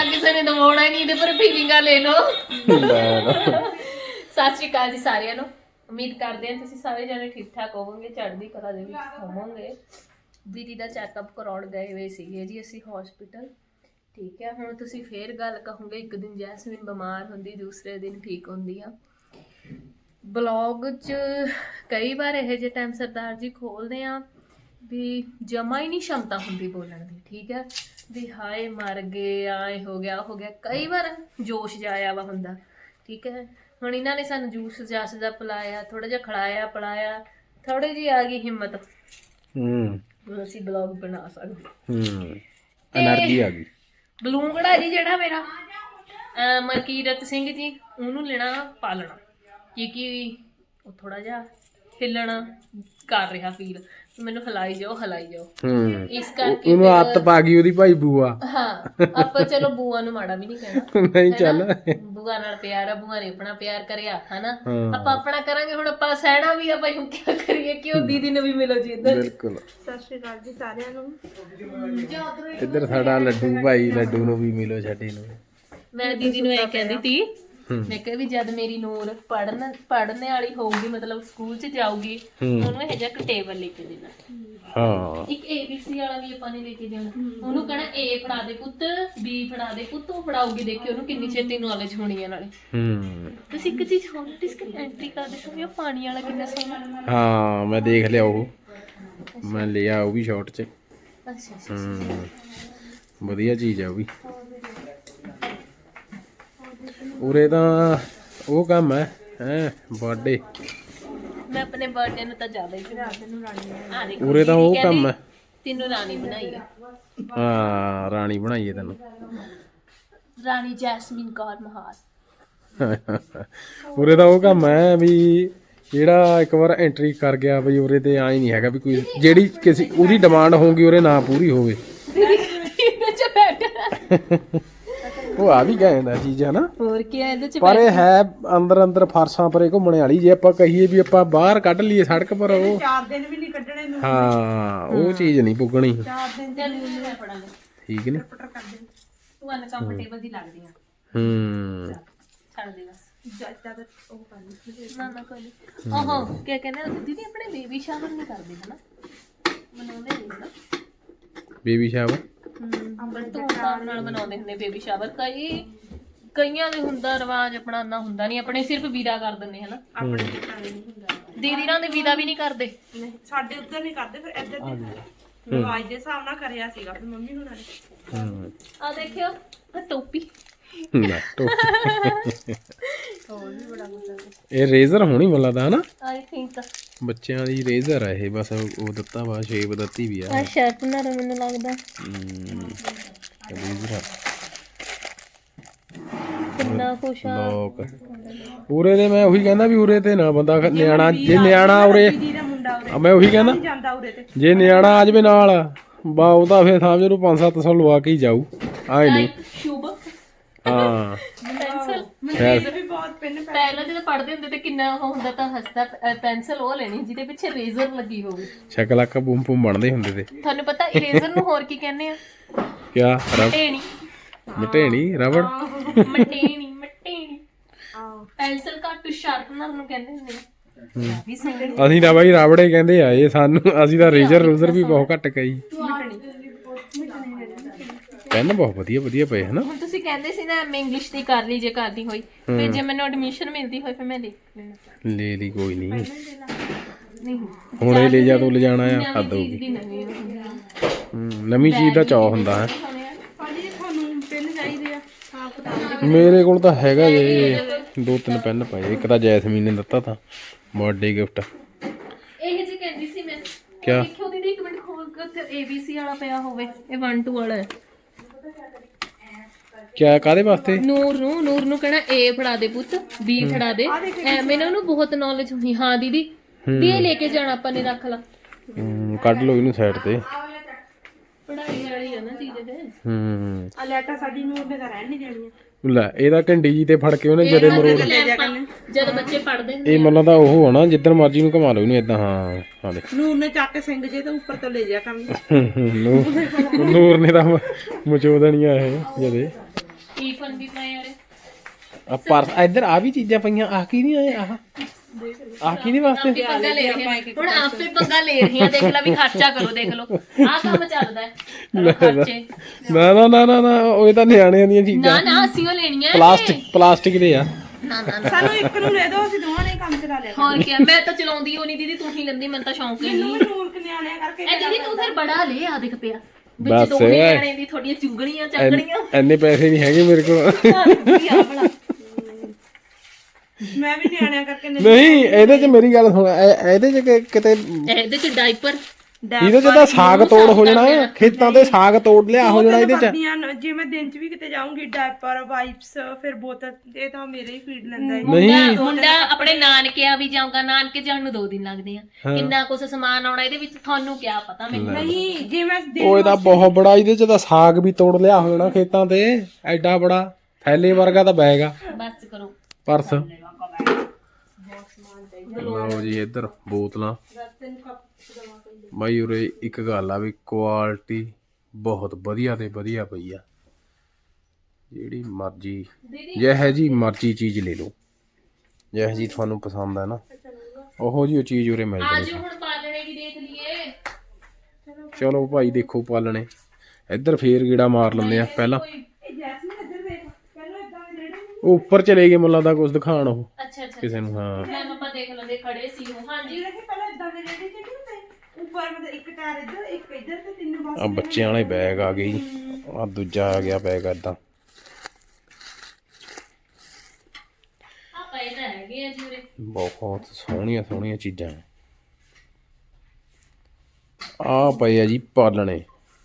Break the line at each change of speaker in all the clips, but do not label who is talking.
ਕਿਸੇ ਨੇ ਦਵਾਉਣਾ ਨਹੀਂ ਇਹਦੇ ਪਰ ਫੀਲਿੰਗਾਂ ਲੈ ਲਓ। ਸਤਿ ਸ਼੍ਰੀ ਅਕਾਲ ਜੀ ਸਾਰਿਆਂ ਨੂੰ। ਉਮੀਦ ਕਰਦੇ ਹਾਂ ਤੁਸੀਂ ਸਾਰੇ ਜਣੇ ਠੀਕ ਠਾਕ ਹੋਵੋਗੇ, ਚੜ੍ਹਦੀ ਕਲਾ ਦੇ ਵਿੱਚ ਹੋਵੋਗੇ। ਦੀਦੀ ਦਾ ਚੈੱਕਅਪ ਕਰਾਉਣ ਗਏ ਹੋਏ ਸੀਗੇ ਜੀ ਅਸੀਂ ਹਸਪੀਟਲ। ਠੀਕ ਹੈ, ਹੁਣ ਤੁਸੀਂ ਫੇਰ ਗੱਲ ਕਹੋਗੇ ਇੱਕ ਦਿਨ ਜੈਸਮੀਨ ਬਿਮਾਰ ਹੁੰਦੀ, ਦੂਸਰੇ ਦਿਨ ਠੀਕ ਹੁੰਦੀ ਆ। ਬਲੌਗ 'ਚ ਕਈ ਵਾਰ ਇਹੋ ਜਿਹੇ ਟਾਈਮ ਸਰਦਾਰ ਜੀ ਖੋਲਦੇ ਆ ਵੀ ਜਮਾ ਹੀ ਨਹੀਂ ਸ਼ਮਤਾ ਹੁੰਦੀ ਬੋਲਣ ਦੀ। ਠੀਕ ਹੈ, ਵੀ ਹਾਏ ਮਰ ਗਏ, ਆਏ ਹੋ ਗਿਆ ਕਈ ਵਾਰ ਜੋਸ਼ ਜਾਇਆ ਵਾ ਹੁੰਦਾ। ਠੀਕ ਹੈ, ਹੁਣ ਇਹਨਾਂ ਨੇ ਸਾਨੂੰ ਜੂਸ ਜਾਸ ਦਾ ਪਿਲਾਇਆ, ਥੋੜਾ ਜਿਹਾ ਖਿਲਾਇਆ ਪਿਲਾਇਆ, ਥੋੜੀ ਜਿਹੀ ਆ ਗਈ ਹਿੰਮਤ, ਹੁਣ ਅਸੀਂ ਬਲੌਗ ਬਣਾ ਸਕਦੇ।
એનર્ਜੀ ਆ ਗਈ।
ਬਲੂੰਗੜਾ ਜੀ ਜਿਹੜਾ ਮੇਰਾ ਮਲਕੀਰਤ ਸਿੰਘ ਜੀ, ਉਹਨੂੰ ਲੈਣਾ ਪਾਲਣਾ, ਕਿਉਂਕਿ ਉਹ ਥੋੜਾ ਜਿਹਾ ਹਿੱਲਣ ਕਰ ਰਿਹਾ ਫੀਲ, ਮੈਨੂੰ ਹਿਲਾਈ ਜਾਓ ਇਸ ਕਰਕੇ
ਉਹਨੂੰ ਆਦਤ ਪਾ ਗਈ ਉਹਦੀ ਭਾਈ ਬੂਆ।
ਹਾਂ, ਆਪਾਂ ਚਲੋ ਬੂਆ ਨੂੰ ਮਾੜਾ ਵੀ ਨਹੀਂ ਕਹਿਣਾ,
ਨਹੀਂ ਚੱਲ
ਬੂਆ ਨਾਲ ਪਿਆਰ ਆ, ਬੂਆ ਨੇ ਆਪਣਾ ਪਿਆਰ ਕਰਿਆ ਹਨਾ, ਆਪਾਂ ਆਪਣਾ ਕਰਾਂਗੇ। ਹੁਣ ਆਪਾਂ ਸਹਿਣਾ ਵੀ ਆ ਭਾਈ, ਹੁਣ ਕੀ ਕਰੀਏ, ਕਿ ਉਹ ਦੀਦੀ ਨੂੰ ਵੀ ਮਿਲੋ ਜੀ ਇੱਧਰ।
ਬਿਲਕੁਲ,
ਸਤਿ ਸ਼੍ਰੀ ਅਕਾਲ ਜੀ ਸਾਰਿਆਂ ਨੂੰ।
ਇੱਧਰ ਸਾਡਾ ਲੱਡੂ ਭਾਈ, ਲੱਡੂ ਨੂੰ ਵੀ ਮਿਲੋ ਛੱਡੀ ਨੂੰ।
ਮੈਂ ਦੀਦੀ ਨੂੰ ਇਹ ਕਹਿੰਦੀ ਤੀ, ਮੈਂ ਕਿਹਾ ਵੀ ਜਦ ਮੇਰੀ ਨੂਰ ਪੜ੍ਹਨੇ ਵਾਲੀ ਹੋਊਗੀ, ਮਤਲਬ ਸਕੂਲ 'ਚ ਜਾਊਗੀ, ਉਹਨੂੰ ਇਹ ਜਿਹਾ ਟੇਬਲ ਲੈ ਕੇ ਦੇਣਾ।
ਹਾਂ,
ਇੱਕ ABC ਵਾਲਾ ਵੀ ਆਪਾਂ ਨੇ ਲੈ ਕੇ ਜਾਣਾ। ਉਹਨੂੰ ਕਹਿਣਾ A ਫੜਾ ਦੇ ਪੁੱਤ, B ਫੜਾ ਦੇ ਪੁੱਤ, ਉਹ ਫੜਾਉਗੀ। ਦੇਖਿਓ ਉਹਨੂੰ ਕਿੰਨੀ ਛੇਤੀ ਨੌਲੇਜ ਹੋਣੀ ਹੈ ਨਾਲੇ। ਤੁਸੀਂ ਇੱਕ ਚੀਜ਼ ਹੋਰ ਨੋਟਿਸ ਕਰ, ਐਂਟਰੀ ਕਰਦੇ ਸਮੇਂ ਉਹ ਪਾਣੀ ਵਾਲਾ ਕਿੰਨਾ ਸੋਹਣਾ।
ਹਾਂ ਮੈਂ ਦੇਖ ਲਿਆ, ਉਹ ਮੈਂ ਲਿਆ ਉਹ ਵੀ ਸ਼ਾਰਟ 'ਚ।
ਅੱਛਾ,
ਵਧੀਆ ਚੀਜ਼ ਆ ਉਹ ਵੀ। ਉਰੇ ਤਾਂ ਉਹ ਕੰਮ ਹੈ ਬਰਥਡੇ।
ਮੈਂ ਆਪਣੇ ਬਰਥਡੇ ਨੂੰ ਤਾਂ ਜ਼ਿਆਦਾ ਹੀ ਰਾਣੀ,
ਉਰੇ ਤਾਂ ਉਹ ਕੰਮ ਹੈ।
ਤੈਨੂੰ ਰਾਣੀ ਬਣਾਈ ਆ।
ਹਾਂ, ਰਾਣੀ ਬਣਾਈਏ ਤੈਨੂੰ,
ਰਾਣੀ ਜੈਸਮੀਨ ਕੌਰ ਮਹਾਰ।
ਉਰੇ ਤਾਂ ਉਹ ਕੰਮ ਹੈ ਵੀ ਜਿਹੜਾ ਇੱਕ ਵਾਰ ਐਂਟਰੀ ਕਰ ਗਿਆ ਬਈ, ਉਰੇ ਤੇ ਆਈ ਨਹੀਂ ਹੈਗਾ ਵੀ ਕੋਈ ਜਿਹੜੀ ਕਿਸੇ ਉਹਦੀ ਡਿਮਾਂਡ ਹੋਊਗੀ ਉਰੇ ਨਾ ਪੂਰੀ ਹੋਵੇ। ਉਹ ਆ ਵੀ ਗਏ ਦਾ ਚੀਜ਼ ਹੈ ਨਾ,
ਹੋਰ ਕੀ ਹੈ ਇਹਦੇ ਚ।
ਪਰ ਇਹ ਹੈ ਅੰਦਰ ਫਰਸਾਂ ਪਰੇ ਘੁੰਮਣ ਵਾਲੀ। ਜੇ ਆਪਾਂ ਕਹੀਏ ਵੀ ਆਪਾਂ ਬਾਹਰ ਕੱਢ ਲਈਏ ਸੜਕ ਪਰ, ਉਹ
4 ਦਿਨ ਵੀ ਨਹੀਂ ਕੱਢਣੇ ਨੂੰ।
ਹਾਂ, ਉਹ ਚੀਜ਼ ਨਹੀਂ ਪੁੱਗਣੀ।
4 ਦਿਨ
ਚੱਲ ਮੈਂ ਪੜਾਂਗੇ,
ਠੀਕ ਨੇ,
ਤੂੰ ਅਨਕੰਫਰਟੇਬਲ ਦੀ ਲੱਗਦੀ ਆ। ਛੱਡ ਦੇ ਬਸ,
ਜੱਜਾ ਦਾ ਉਹ ਕਰਨੀ।
ਨਾ ਕੋਈ ਨਹੀਂ। ਆਹੋ ਕੀ ਕਹਿੰਦੇ ਦੀਦੀ, ਆਪਣੇ ਬੇਬੀ ਸ਼ਾਵਰ ਨਹੀਂ ਕਰਦੇ ਹਨਾ, ਮਨਾਉਂਦੇ ਨਹੀਂ ਨਾ
ਬੇਬੀ ਸ਼ਾਵਰ।
ਧੂਮਧਾਮ ਨਾਲ ਮਨਾਉਂਦੇ ਹੁੰਦੇ ਬੇਬੀ ਸ਼ਾਵਰ। ਕਈਆਂ ਦੇ ਹੁੰਦਾ ਰਿਵਾਜ, ਆਪਣਾ ਨਾ ਹੁੰਦਾ ਨਹੀਂ। ਆਪਣੇ ਸਿਰਫ ਵੀਰਾ ਕਰ ਦਿੰਦੇ ਹਨਾ,
ਆਪਣੇ ਘਰ ਨਹੀਂ ਹੁੰਦਾ।
ਦੀਦੀ ਨਾਲ ਦੇ ਵੀਰਾ ਵੀ ਨਹੀਂ ਕਰਦੇ।
ਨਹੀਂ, ਸਾਡੇ ਉੱਧਰ ਨਹੀਂ ਕਰਦੇ, ਫਿਰ ਇੱਧਰ ਦੇ ਰਿਵਾਜ ਦੇ ਹਿਸਾਬ ਨਾਲ ਕਰਿਆ ਸੀਗਾ ਫਿਰ ਮੰਮੀ ਹੁਣਾਂ ਨੇ।
ਆ ਦੇਖਿਓ ਆ ਟੋਪੀ,
ਨਾ ਟੋਪੀ।
ਹੋਰ ਵੀ ਬੜਾ ਕੁਝ।
ਇਹ ਰੇਜ਼ਰ ਹੋਣੀ ਮੈਨੂੰ ਲੱਗਦਾ ਹਨਾ,
ਆਈ ਥਿੰਕ
ਬੱਚਿਆਂ ਦੀ ਰੇਜ਼ਰ ਆ ਇਹ। ਬਸ ਉਹ ਦਿੱਤਾ ਵਾ, ਸ਼ੇਪ ਦਿੱਤੀ ਵੀ ਆ।
ਆ ਸ਼ਾਰਪਨਰ ਮੈਨੂੰ ਲੱਗਦਾ।
ਰੇਜ਼ਰ
ਕਿੰਨਾ ਖੁਸ਼ ਆ
ਲੋਕ ਉਰੇ ਦੇ। ਮੈਂ ਉਹੀ ਕਹਿੰਦਾ ਵੀ ਉਰੇ ਤੇ ਨਾ ਬੰਦਾ ਨਿਆਣਾ, ਜੇ ਨਿਆਣਾ ਉਰੇ,
ਦੀਦੀ ਦਾ ਮੁੰਡਾ ਉਰੇ
ਮੈਂ ਉਹੀ ਕਹਿੰਦਾ
ਜਾਂਦਾ ਉਰੇ ਤੇ।
ਜੇ ਨਿਆਣਾ ਆ ਜਾਵੇ ਨਾਲ ਬਾ, ਉਹ ਤਾਂ ਫਿਰ ਸਮਝ ਲਓ 500-700 ਲਵਾ ਕੇ ਹੀ ਜਾਊ। ਆਏ ਨਹੀਂ।
ਸ਼ੁਭ
ਹਾਂ,
ਪੈਨਸਲ
ਮੈਨੂੰ ਵੀ ਬਹੁਤ ਪਿੰਨ
ਪਹਿਲਾਂ ਜਦੋਂ ਪੜ੍ਹਦੇ ਹੁੰਦੇ ਤੇ ਕਿੰਨਾ ਉਹ ਹੁੰਦਾ ਤਾਂ ਹੱਸਦਾ। ਪੈਨਸਲ ਉਹ ਲੈਣੀ ਜਿਹਦੇ ਪਿੱਛੇ ਰੇਜ਼ਰ ਲੱਗੀ ਹੋਵੇ।
ਸ਼ਕਲਾਕਾ ਬੂਮ ਬੂਮ ਬਣਦੇ ਹੁੰਦੇ ਤੇ।
ਤੁਹਾਨੂੰ ਪਤਾ ਇਰੇਜ਼ਰ ਨੂੰ ਹੋਰ ਕੀ ਕਹਿੰਦੇ ਆ?
ਕਿਆ
ਮਟੇਣੀ।
ਮਟੇਣੀ, ਰਬੜ।
ਮਟੇਣੀ ਪੈਨਸਲ ਘੱਟ ਸ਼ਾਰਪਨਰ ਨੂੰ ਕਹਿੰਦੇ ਹੁੰਦੇ ਆ। ਵੀ ਸਹੀ।
ਅਸੀਂ ਤਾਂ ਬਾਈ ਰਾਵੜੇ ਕਹਿੰਦੇ ਆ ਇਹ ਸਾਨੂੰ। ਅਸੀਂ ਤਾਂ ਰੇਜ਼ਰ ਰੂਜ਼ਰ ਵੀ ਬਹੁਤ ਘੱਟ ਕਈ। ਪੈਨ ਬਹੁਤ ਵਧੀਆ ਪਏ ਹਨਾ।
ਹੁਣ ਤੁਸੀਂ ਕਹਿੰਦੇ ਸੀ ਨਾ ਮੈਂ ਇੰਗਲਿਸ਼ ਦੀ ਕਰ ਲਈ, ਜੇ ਕਰਦੀ ਹੋਈ ਫਿਰ ਜੇ ਮੈਨੂੰ ਐਡਮਿਸ਼ਨ ਮਿਲਦੀ ਹੋਈ ਫਿਰ ਮੈਂ ਲੈ ਲੈਣਾ।
ਲੈ ਲਈ, ਕੋਈ ਨਹੀਂ।
ਨਹੀਂ
ਹੁਣ ਇਹ ਲੈ ਜਾ ਤੂੰ, ਲੈ ਜਾਣਾ ਆ ਹੱਦ ਹੋਊਗੀ।
ਦੀ ਨਵੀਂ
ਨਵੀਂ ਚੀਜ਼ ਦਾ ਚਾਅ ਹੁੰਦਾ ਹੈ।
ਭਾਜੀ ਤੁਹਾਨੂੰ ਪਿੰਨ ਚਾਹੀਦੇ ਆ ਹਿਸਾਬ ਕਿਤਾਬ।
ਮੇਰੇ ਕੋਲ ਤਾਂ ਹੈਗਾ ਜੇ 2-3 ਪੈਨ ਪਏ। ਇੱਕ ਤਾਂ ਜੈਸਮੀਨ ਨੇ ਦਿੱਤਾ ਤਾਂ ਬਰਥਡੇ ਗਿਫਟ।
ਇਹ ਜੀ ਕਹਿੰਦੀ ਸੀ ਮੈਂ,
ਕਿਆ
ਦੇਖਿਓ ਦੀਦੀ ਇੱਕ ਮਿੰਟ ਖੋਲ ਕੇ, ਉੱਥੇ ABC ਵਾਲਾ ਪਿਆ ਹੋਵੇ। ਇਹ 1-2 ਵਾਲਾ ਹੈ।
ਕਿਆ ਕਾਦੇ ਵਾਸਤੇ?
ਨੂਰ ਨੂੰ ਕਹਿਣਾ A ਫੜਾ ਦੇ ਪੁੱਤ, B ਫੜਾ ਦੇ। ਐਵੇਂ ਨਾ ਉਹਨੂੰ ਬਹੁਤ ਨੌਲੇਜ ਹੁੰਦੀ। ਹਾਂ ਦੀਦੀ, ਵੀ ਇਹ ਲੈ ਕੇ ਜਾਣਾ ਆਪਾਂ ਨੇ, ਰੱਖ ਲਾ।
ਕੱਢ ਲਓ ਇਹਨੂੰ ਸਾਈਡ ਤੇ।
ਪੜਾਈ ਵਾਲੀ ਆ ਨਾ ਚੀਜ਼ ਇਹ।
ਆ ਲੈਟਾ ਸਾਡੀ ਨੂੰ ਉਹਨੇ ਤਾਂ ਰਹਿਣ ਨਹੀਂ ਦੇਣੀਆਂ।
ਲੈ ਇਹਦਾ ਘੰਡੀ ਜੀ ਤੇ ਫੜ ਕੇ ਉਹਨੇ ਜਦੇ ਮਰੋੜ।
ਜਦ ਬੱਚੇ ਪੜਦੇ ਹੁੰਦੇ
ਇਹ ਮਤਲਬ ਤਾਂ ਉਹ ਆ ਨਾ, ਜਿੱਧਰ ਮਰਜੀ ਨੂੰ ਘੁਮਾ ਲਓ ਇਹਨੂੰ ਏਦਾਂ। ਹਾਂ ਦੇਖ,
ਨੂਰ ਨੇ ਚੱਕ ਕੇ ਸਿੰਘ ਜੇ ਤਾਂ ਉੱਪਰ ਤੋਂ ਲੈ ਜਾ ਕੰਮ।
ਨੂਰ ਨੇ ਤਾਂ ਮਚੋ ਦੇਣੀਆਂ ਇਹ ਜਦੇ। ਆ ਪਰਸ ਇੱਧਰ ਆ ਵੀ ਚੀਜ਼ਾਂ ਪਈਆਂ ਆ ਕੀ ਨਹੀਂ ਆਏ ਆਹ ਕੀ ਨਹੀਂ ਵਾਸਤੇ
ਆਪੇ ਪੰਗਾ ਲੈ ਰਹੇ ਹਾਂ ਹੁਣ ਆਪੇ ਪੰਗਾ ਲੈ ਰਹੇ ਹਾਂ ਦੇਖ ਲੈ ਵੀ ਖਰਚਾ ਕਰੋ ਦੇਖ ਲਓ ਆਹ ਕੰਮ ਚੱਲਦਾ ਹੈ ਕਰੋ ਖਰਚੇ
ਨਾ ਉਹ ਤਾਂ ਨਿਆਣਿਆਂ ਦੀਆਂ ਚੀਜ਼ਾਂ
ਨਾ ਅਸੀਂ ਉਹ ਲੈਣੀਆਂ
ਪਲਾਸਟਿਕ ਦੇ ਆ
ਨਾ
ਸਾਨੂੰ ਇੱਕ ਨੂੰ ਲੈ ਦੋ ਅਸੀਂ ਦੋਵਾਂ ਨੇ ਕੰਮ ਚਲਾ ਲਿਆ
ਹੋਰ ਕੀ ਮੈਂ ਤਾਂ ਚਲਾਉਂਦੀ ਹੋ ਨਹੀਂ ਦੀਦੀ ਤੂੰ ਹੀ ਲੈਂਦੀ ਮੈਨੂੰ ਤਾਂ ਸ਼ੌਂਕ ਹੀ ਨਹੀਂ
ਨੂਰ ਨਿਆਣਿਆਂ ਕਰਕੇ
ਇਹ ਦੀਦੀ ਤੂੰ ਫਿਰ ਬੜਾ ਲੈ ਆ ਦੇਖ ਪਿਆ
ਬਸ
ਵਿੱਚ ਦੋਨੇ ਨਿਆਣੇ ਦੀ ਥੋੜੀਆਂ ਚੁੰਗਣੀਆਂ ਚੱਕਣੀਆਂ
ਐਨੇ ਪੈਸੇ ਨਹੀਂ ਹੈਗੇ ਮੇਰੇ ਕੋਲ
ਮੈਂ ਵੀ ਨਿਆਣਿਆਂ ਕਰਕੇ
ਨਹੀਂ ਇਹਦੇ 'ਚ ਮੇਰੀ ਗੱਲ ਸੁਣ ਇਹਦੇ 'ਚ ਕਿਤੇ
ਇਹਦੇ ਚ ਡਾਈਪਰ
ਇਹਦੇ 'ਚ ਤਾਂ ਸਾਗ ਤੋੜ ਹੋ ਜਾਣਾ ਖੇਤਾਂ ਤੇ ਸਾਗ ਤੋੜ ਲਿਆ ਹੋ ਜਾਣਾ ਇਹਦੇ 'ਚ
ਜੇ ਮੈਂ ਦਿਨ 'ਚ ਵੀ ਕਿਤੇ ਜਾਊਂਗੀ ਡਾਇਪਰ ਵਾਈਪਸ ਫਿਰ ਬੋਤਲ ਇਹ ਤਾਂ ਮੇਰੇ ਹੀ ਫੀਡ ਲੈਂਦਾ ਹੈ
ਮੁੰਡਾ ਆਪਣੇ ਨਾਨਕਿਆਂ ਵੀ ਜਾਊਗਾ ਨਾਨਕੇ ਜਾਣ ਨੂੰ 2 ਦਿਨ ਲੱਗਦੇ ਆ ਕਿੰਨਾ ਕੁਛ ਸਮਾਨ ਆਉਣਾ ਇਹਦੇ ਵਿੱਚ ਤੁਹਾਨੂੰ ਕੀ ਪਤਾ ਮੈਨੂੰ
ਨਹੀਂ ਜੇ ਮੈਂ
ਉਹ ਇਹਦਾ ਬਹੁਤ ਬੜਾ ਇਹਦੇ 'ਚ ਤਾਂ ਸਾਗ ਵੀ ਤੋੜ ਲਿਆ ਹੋ ਜਾਣਾ ਖੇਤਾਂ ਤੇ ਐਡਾ ਬੜਾ ਥੈਲੇ ਵਰਗਾ ਤਾਂ ਬੈਗ ਆ
ਬਸ ਕਰੋ
ਪਰਸ ਲਓ ਜੀ ਇੱਧਰ ਬੋਤਲਾਂ ਬਾਈ ਉਰੇ ਇੱਕ ਗੱਲ ਆ ਵੀ ਕੁਆਲਿਟੀ ਬਹੁਤ ਵਧੀਆ ਤੇ ਵਧੀਆ ਪਈ ਆ ਜਿਹੜੀ ਮਰਜ਼ੀ ਜਿਹੋ ਜੀ ਮਰਜ਼ੀ ਚੀਜ਼ ਲੈ ਲਓ ਜਿਹੋ ਜੀ ਤੁਹਾਨੂੰ ਪਸੰਦ ਆ ਨਾ ਉਹੋ ਜੀ ਉਹ ਚੀਜ਼ ਉਰੇ ਮਿਲ ਜਾਣੀ
ਆਜੋ ਹੁਣ ਪਾਲਣੇ ਵੀ ਦੇਖ ਲਈਏ
ਚਲੋ ਭਾਈ ਦੇਖੋ ਪਾਲਣੇ ਇੱਧਰ ਫੇਰ ਗੇੜਾ ਮਾਰ ਲੈਂਦੇ ਆ ਪਹਿਲਾਂ ਉਹ ਉੱਪਰ ਚਲੇ ਗਏ ਮੁੱਲਾਂ ਦਾ ਕੁਝ ਦਿਖਾਣ ਉਹ
ਅੱਛਾ
ਕਿਸੇ ਨੂੰ ਹਾਂ
ਮੈਂ ਪਾਪਾ ਦੇਖ ਲੈਂਦੇ ਖੜੇ ਸੀ ਉਹ ਹਾਂਜੀ
ਪਹਿਲਾਂ ਇਦਾਂ ਦੇ ਰੇੜੇ ਤੇ ਉੱਪਰ ਮਤਲਬ ਇੱਕ ਟਾਇਰ ਇੱਧਰ ਇੱਕ ਇੱਧਰ ਤੇ ਤਿੰਨ ਬਸ
ਆ ਬੱਚਿਆਂ ਵਾਲੇ ਬੈਗ ਆ ਗਏ ਆ ਦੂਜਾ ਆ ਗਿਆ ਬੈਗ ਏਦਾਂ
ਆ ਪਏ ਤਾਂ ਹੈਗੇ ਆ ਜੀ ਉਰੇ
ਬਹੁਤ ਸੋਹਣੀਆਂ ਚੀਜ਼ਾਂ ਆ ਪਏ ਆ ਜੀ ਪਾਲਣੇ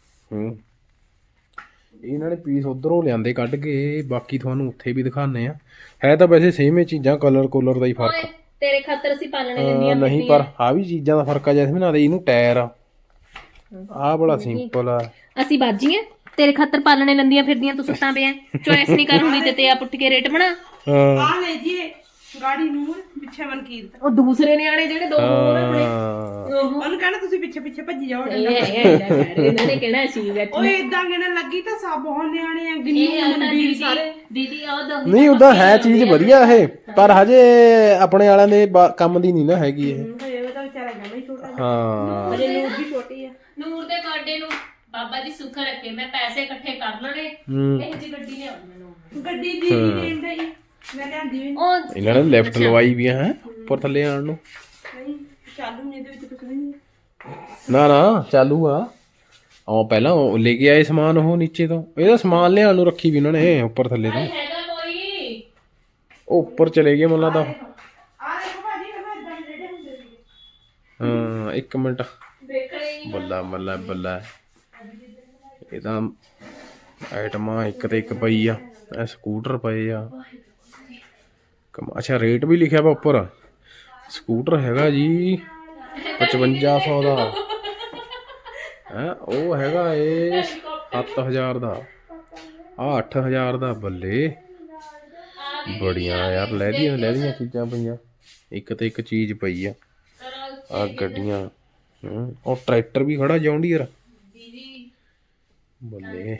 ਇਹਨਾਂ ਨੇ ਪੀਸ ਉਧਰੋਂ ਲਿਆਂਦੇ ਕੱਢ ਕੇ ਬਾਕੀ ਤੁਹਾਨੂੰ ਉੱਥੇ ਵੀ ਦਿਖਾਣੇ ਆ ਹੈ ਤਾਂ ਵੈਸੇ ਸੇਮ ਹੀ ਚੀਜ਼ਾਂ ਕਲਰ ਦਾ ਹੀ ਫਰਕ ਆ
ਤੇਰੇ ਖਾਤਰ ਅਸੀਂ ਪਾਲਣੇ ਲੈਂਦੀਆਂ
ਨਹੀਂ ਪਰ ਆ ਵੀ ਚੀਜ਼ਾਂ ਦਾ ਫਰਕ ਆ ਜੈਸਮੀਨ ਆ ਦੇ ਇਹਨੂੰ ਟਾਇਰ ਆ ਬੜਾ ਸਿੰਪਲ ਆ
ਅਸੀਂ ਬਾਜੀਆਂ ਤੇਰੇ ਖਾਤਰ ਪਾਲਣੇ ਲੈਂਦੀਆਂ ਫਿਰਦੀਆਂ ਤੂੰ ਸੁੱਤਾਂ ਪਿਆ ਚੋਇਸ ਨਹੀਂ ਕਰ ਹੁੰਦੀ ਤੇ ਆਪ ਉੱਠ ਕੇ ਰੇਟ ਬਣਾ
ਹਾਂ
ਆ ਲੈ ਜੀ ਗਾੜੀ ਨੂਰ ਪਿੱਛੇ ਮਨਕੀਰਤ
ਉਹ ਦੂਸਰੇ ਨਿਆਣੇ ਜਿਹੜੇ ਦੋ ਹੋਰ ਆਪਣੇ
ਉਹਨੂੰ ਕਹਿਣਾ ਤੁਸੀਂ ਪਿੱਛੇ ਭੱਜੀ ਜਾਓ
ਇਹਨਾਂ ਨੇ ਕਹਿਣਾ ਸੀ
ਓਏ ਇਦਾਂ ਕਹਿਣਾ ਲੱਗੀ ਤਾਂ ਸਭ ਬਹੁਤ ਨਿਆਣੇ ਆ ਗਿੰਨੀ ਸਾਰੇ
ਦੀਦੀ ਆਹ ਦੋ
ਨਹੀਂ ਉਦਾਂ ਹੈ ਚੀਜ਼ ਵਧੀਆ ਇਹ ਪਰ ਹਜੇ ਆਪਣੇ ਵਾਲਿਆਂ ਦੇ ਕੰਮ ਦੀ ਨਹੀਂ ਨਾ ਹੈਗੀ ਇਹ
ਇਹ ਤਾਂ ਵਿਚਾਰਾ ਜਮਾ ਹੀ ਛੋਟਾ
ਹਾਂ
ਅਜੇ ਨੂਰ ਵੀ ਛੋਟੀ ਆ
ਨੂਰ ਦੇ ਬਰਥਡੇ ਨੂੰ ਬਾਬਾ ਜੀ ਸੁੱਖ ਰੱਖੇ ਮੈਂ ਪੈਸੇ ਇਕੱਠੇ ਕਰ ਲੈਣੇ ਇਹ ਜੀ ਗੱਡੀ ਲਿਆਉਣੀ ਮੈਨੂੰ ਗੱਡੀ
ਦੀ ਲੈਣ ਦਾ ਹੀ ਮੈਂ ਲਿਆਂਦੀ ਵੀ
ਉਹ
ਇਹਨਾਂ ਨੇ ਲੈਫਟ ਲਵਾਈ ਵੀ ਹੈ ਉੱਪਰ ਥੱਲੇ ਆਣ ਨੂੰ
ਨਹੀਂ ਚਾਲੂ ਨਹੀਂ ਇਹਦੇ ਵਿੱਚ ਕੁਝ ਨਹੀਂ
ਨਾ ਚਾਲੂ ਆ ਉਹ ਪਹਿਲਾਂ ਉਹ ਲੈ ਕੇ ਆਏ ਸਮਾਨ ਉਹ ਨੀਚੇ ਤੋਂ ਇਹਦਾ ਸਮਾਨ ਲਿਆਉਣ ਨੂੰ ਰੱਖੀ ਵੀ ਉਹਨਾਂ ਨੇ ਉੱਪਰ ਥੱਲੇ ਤੋਂ
ਹੈਗਾ ਕੋਈ
ਉਹ ਉੱਪਰ ਚਲੇ ਗਏ ਮੁੱਲਾ ਦਾ
ਆ ਦੇਖੋ ਭਾਜੀ ਕਹਿੰਦਾ ਇਦਾਂ ਦੇ ਰੇੜੇ ਹੁੰਦੇ ਸੀ
ਹਾਂ ਇੱਕ ਮਿੰਟ
ਦੇਖਣੇ
ਬੱਲਾ ਇਹ ਤਾਂ ਆਈਟਮਾਂ ਇੱਕ ਤੇ ਇੱਕ ਪਈ ਆ ਇਹ ਸਕੂਟਰ ਪਏ ਆ ਅੱਛਾ ਰੇਟ ਵੀ ਲਿਖਿਆ ਵਾ ਉੱਪਰ ਸਕੂਟਰ ਹੈਗਾ ਜੀ 5500 ਦਾ ਹੈ ਉਹ ਹੈਗਾ ਇਹ 7000 ਦਾ ਆ 8000 ਦਾ ਬੱਲੇ ਬੜੀਆਂ ਯਾਰ ਲੈਦੀਆਂ ਚੀਜ਼ਾਂ ਪਈਆਂ ਇੱਕ ਤੇ ਇੱਕ ਚੀਜ਼ ਪਈ ਆ ਆ ਗੱਡੀਆਂ ਉਹ ਟਰੈਕਟਰ ਵੀ ਖੜਾ ਜੌਂਡੀਅਰ ਬੱਲੇ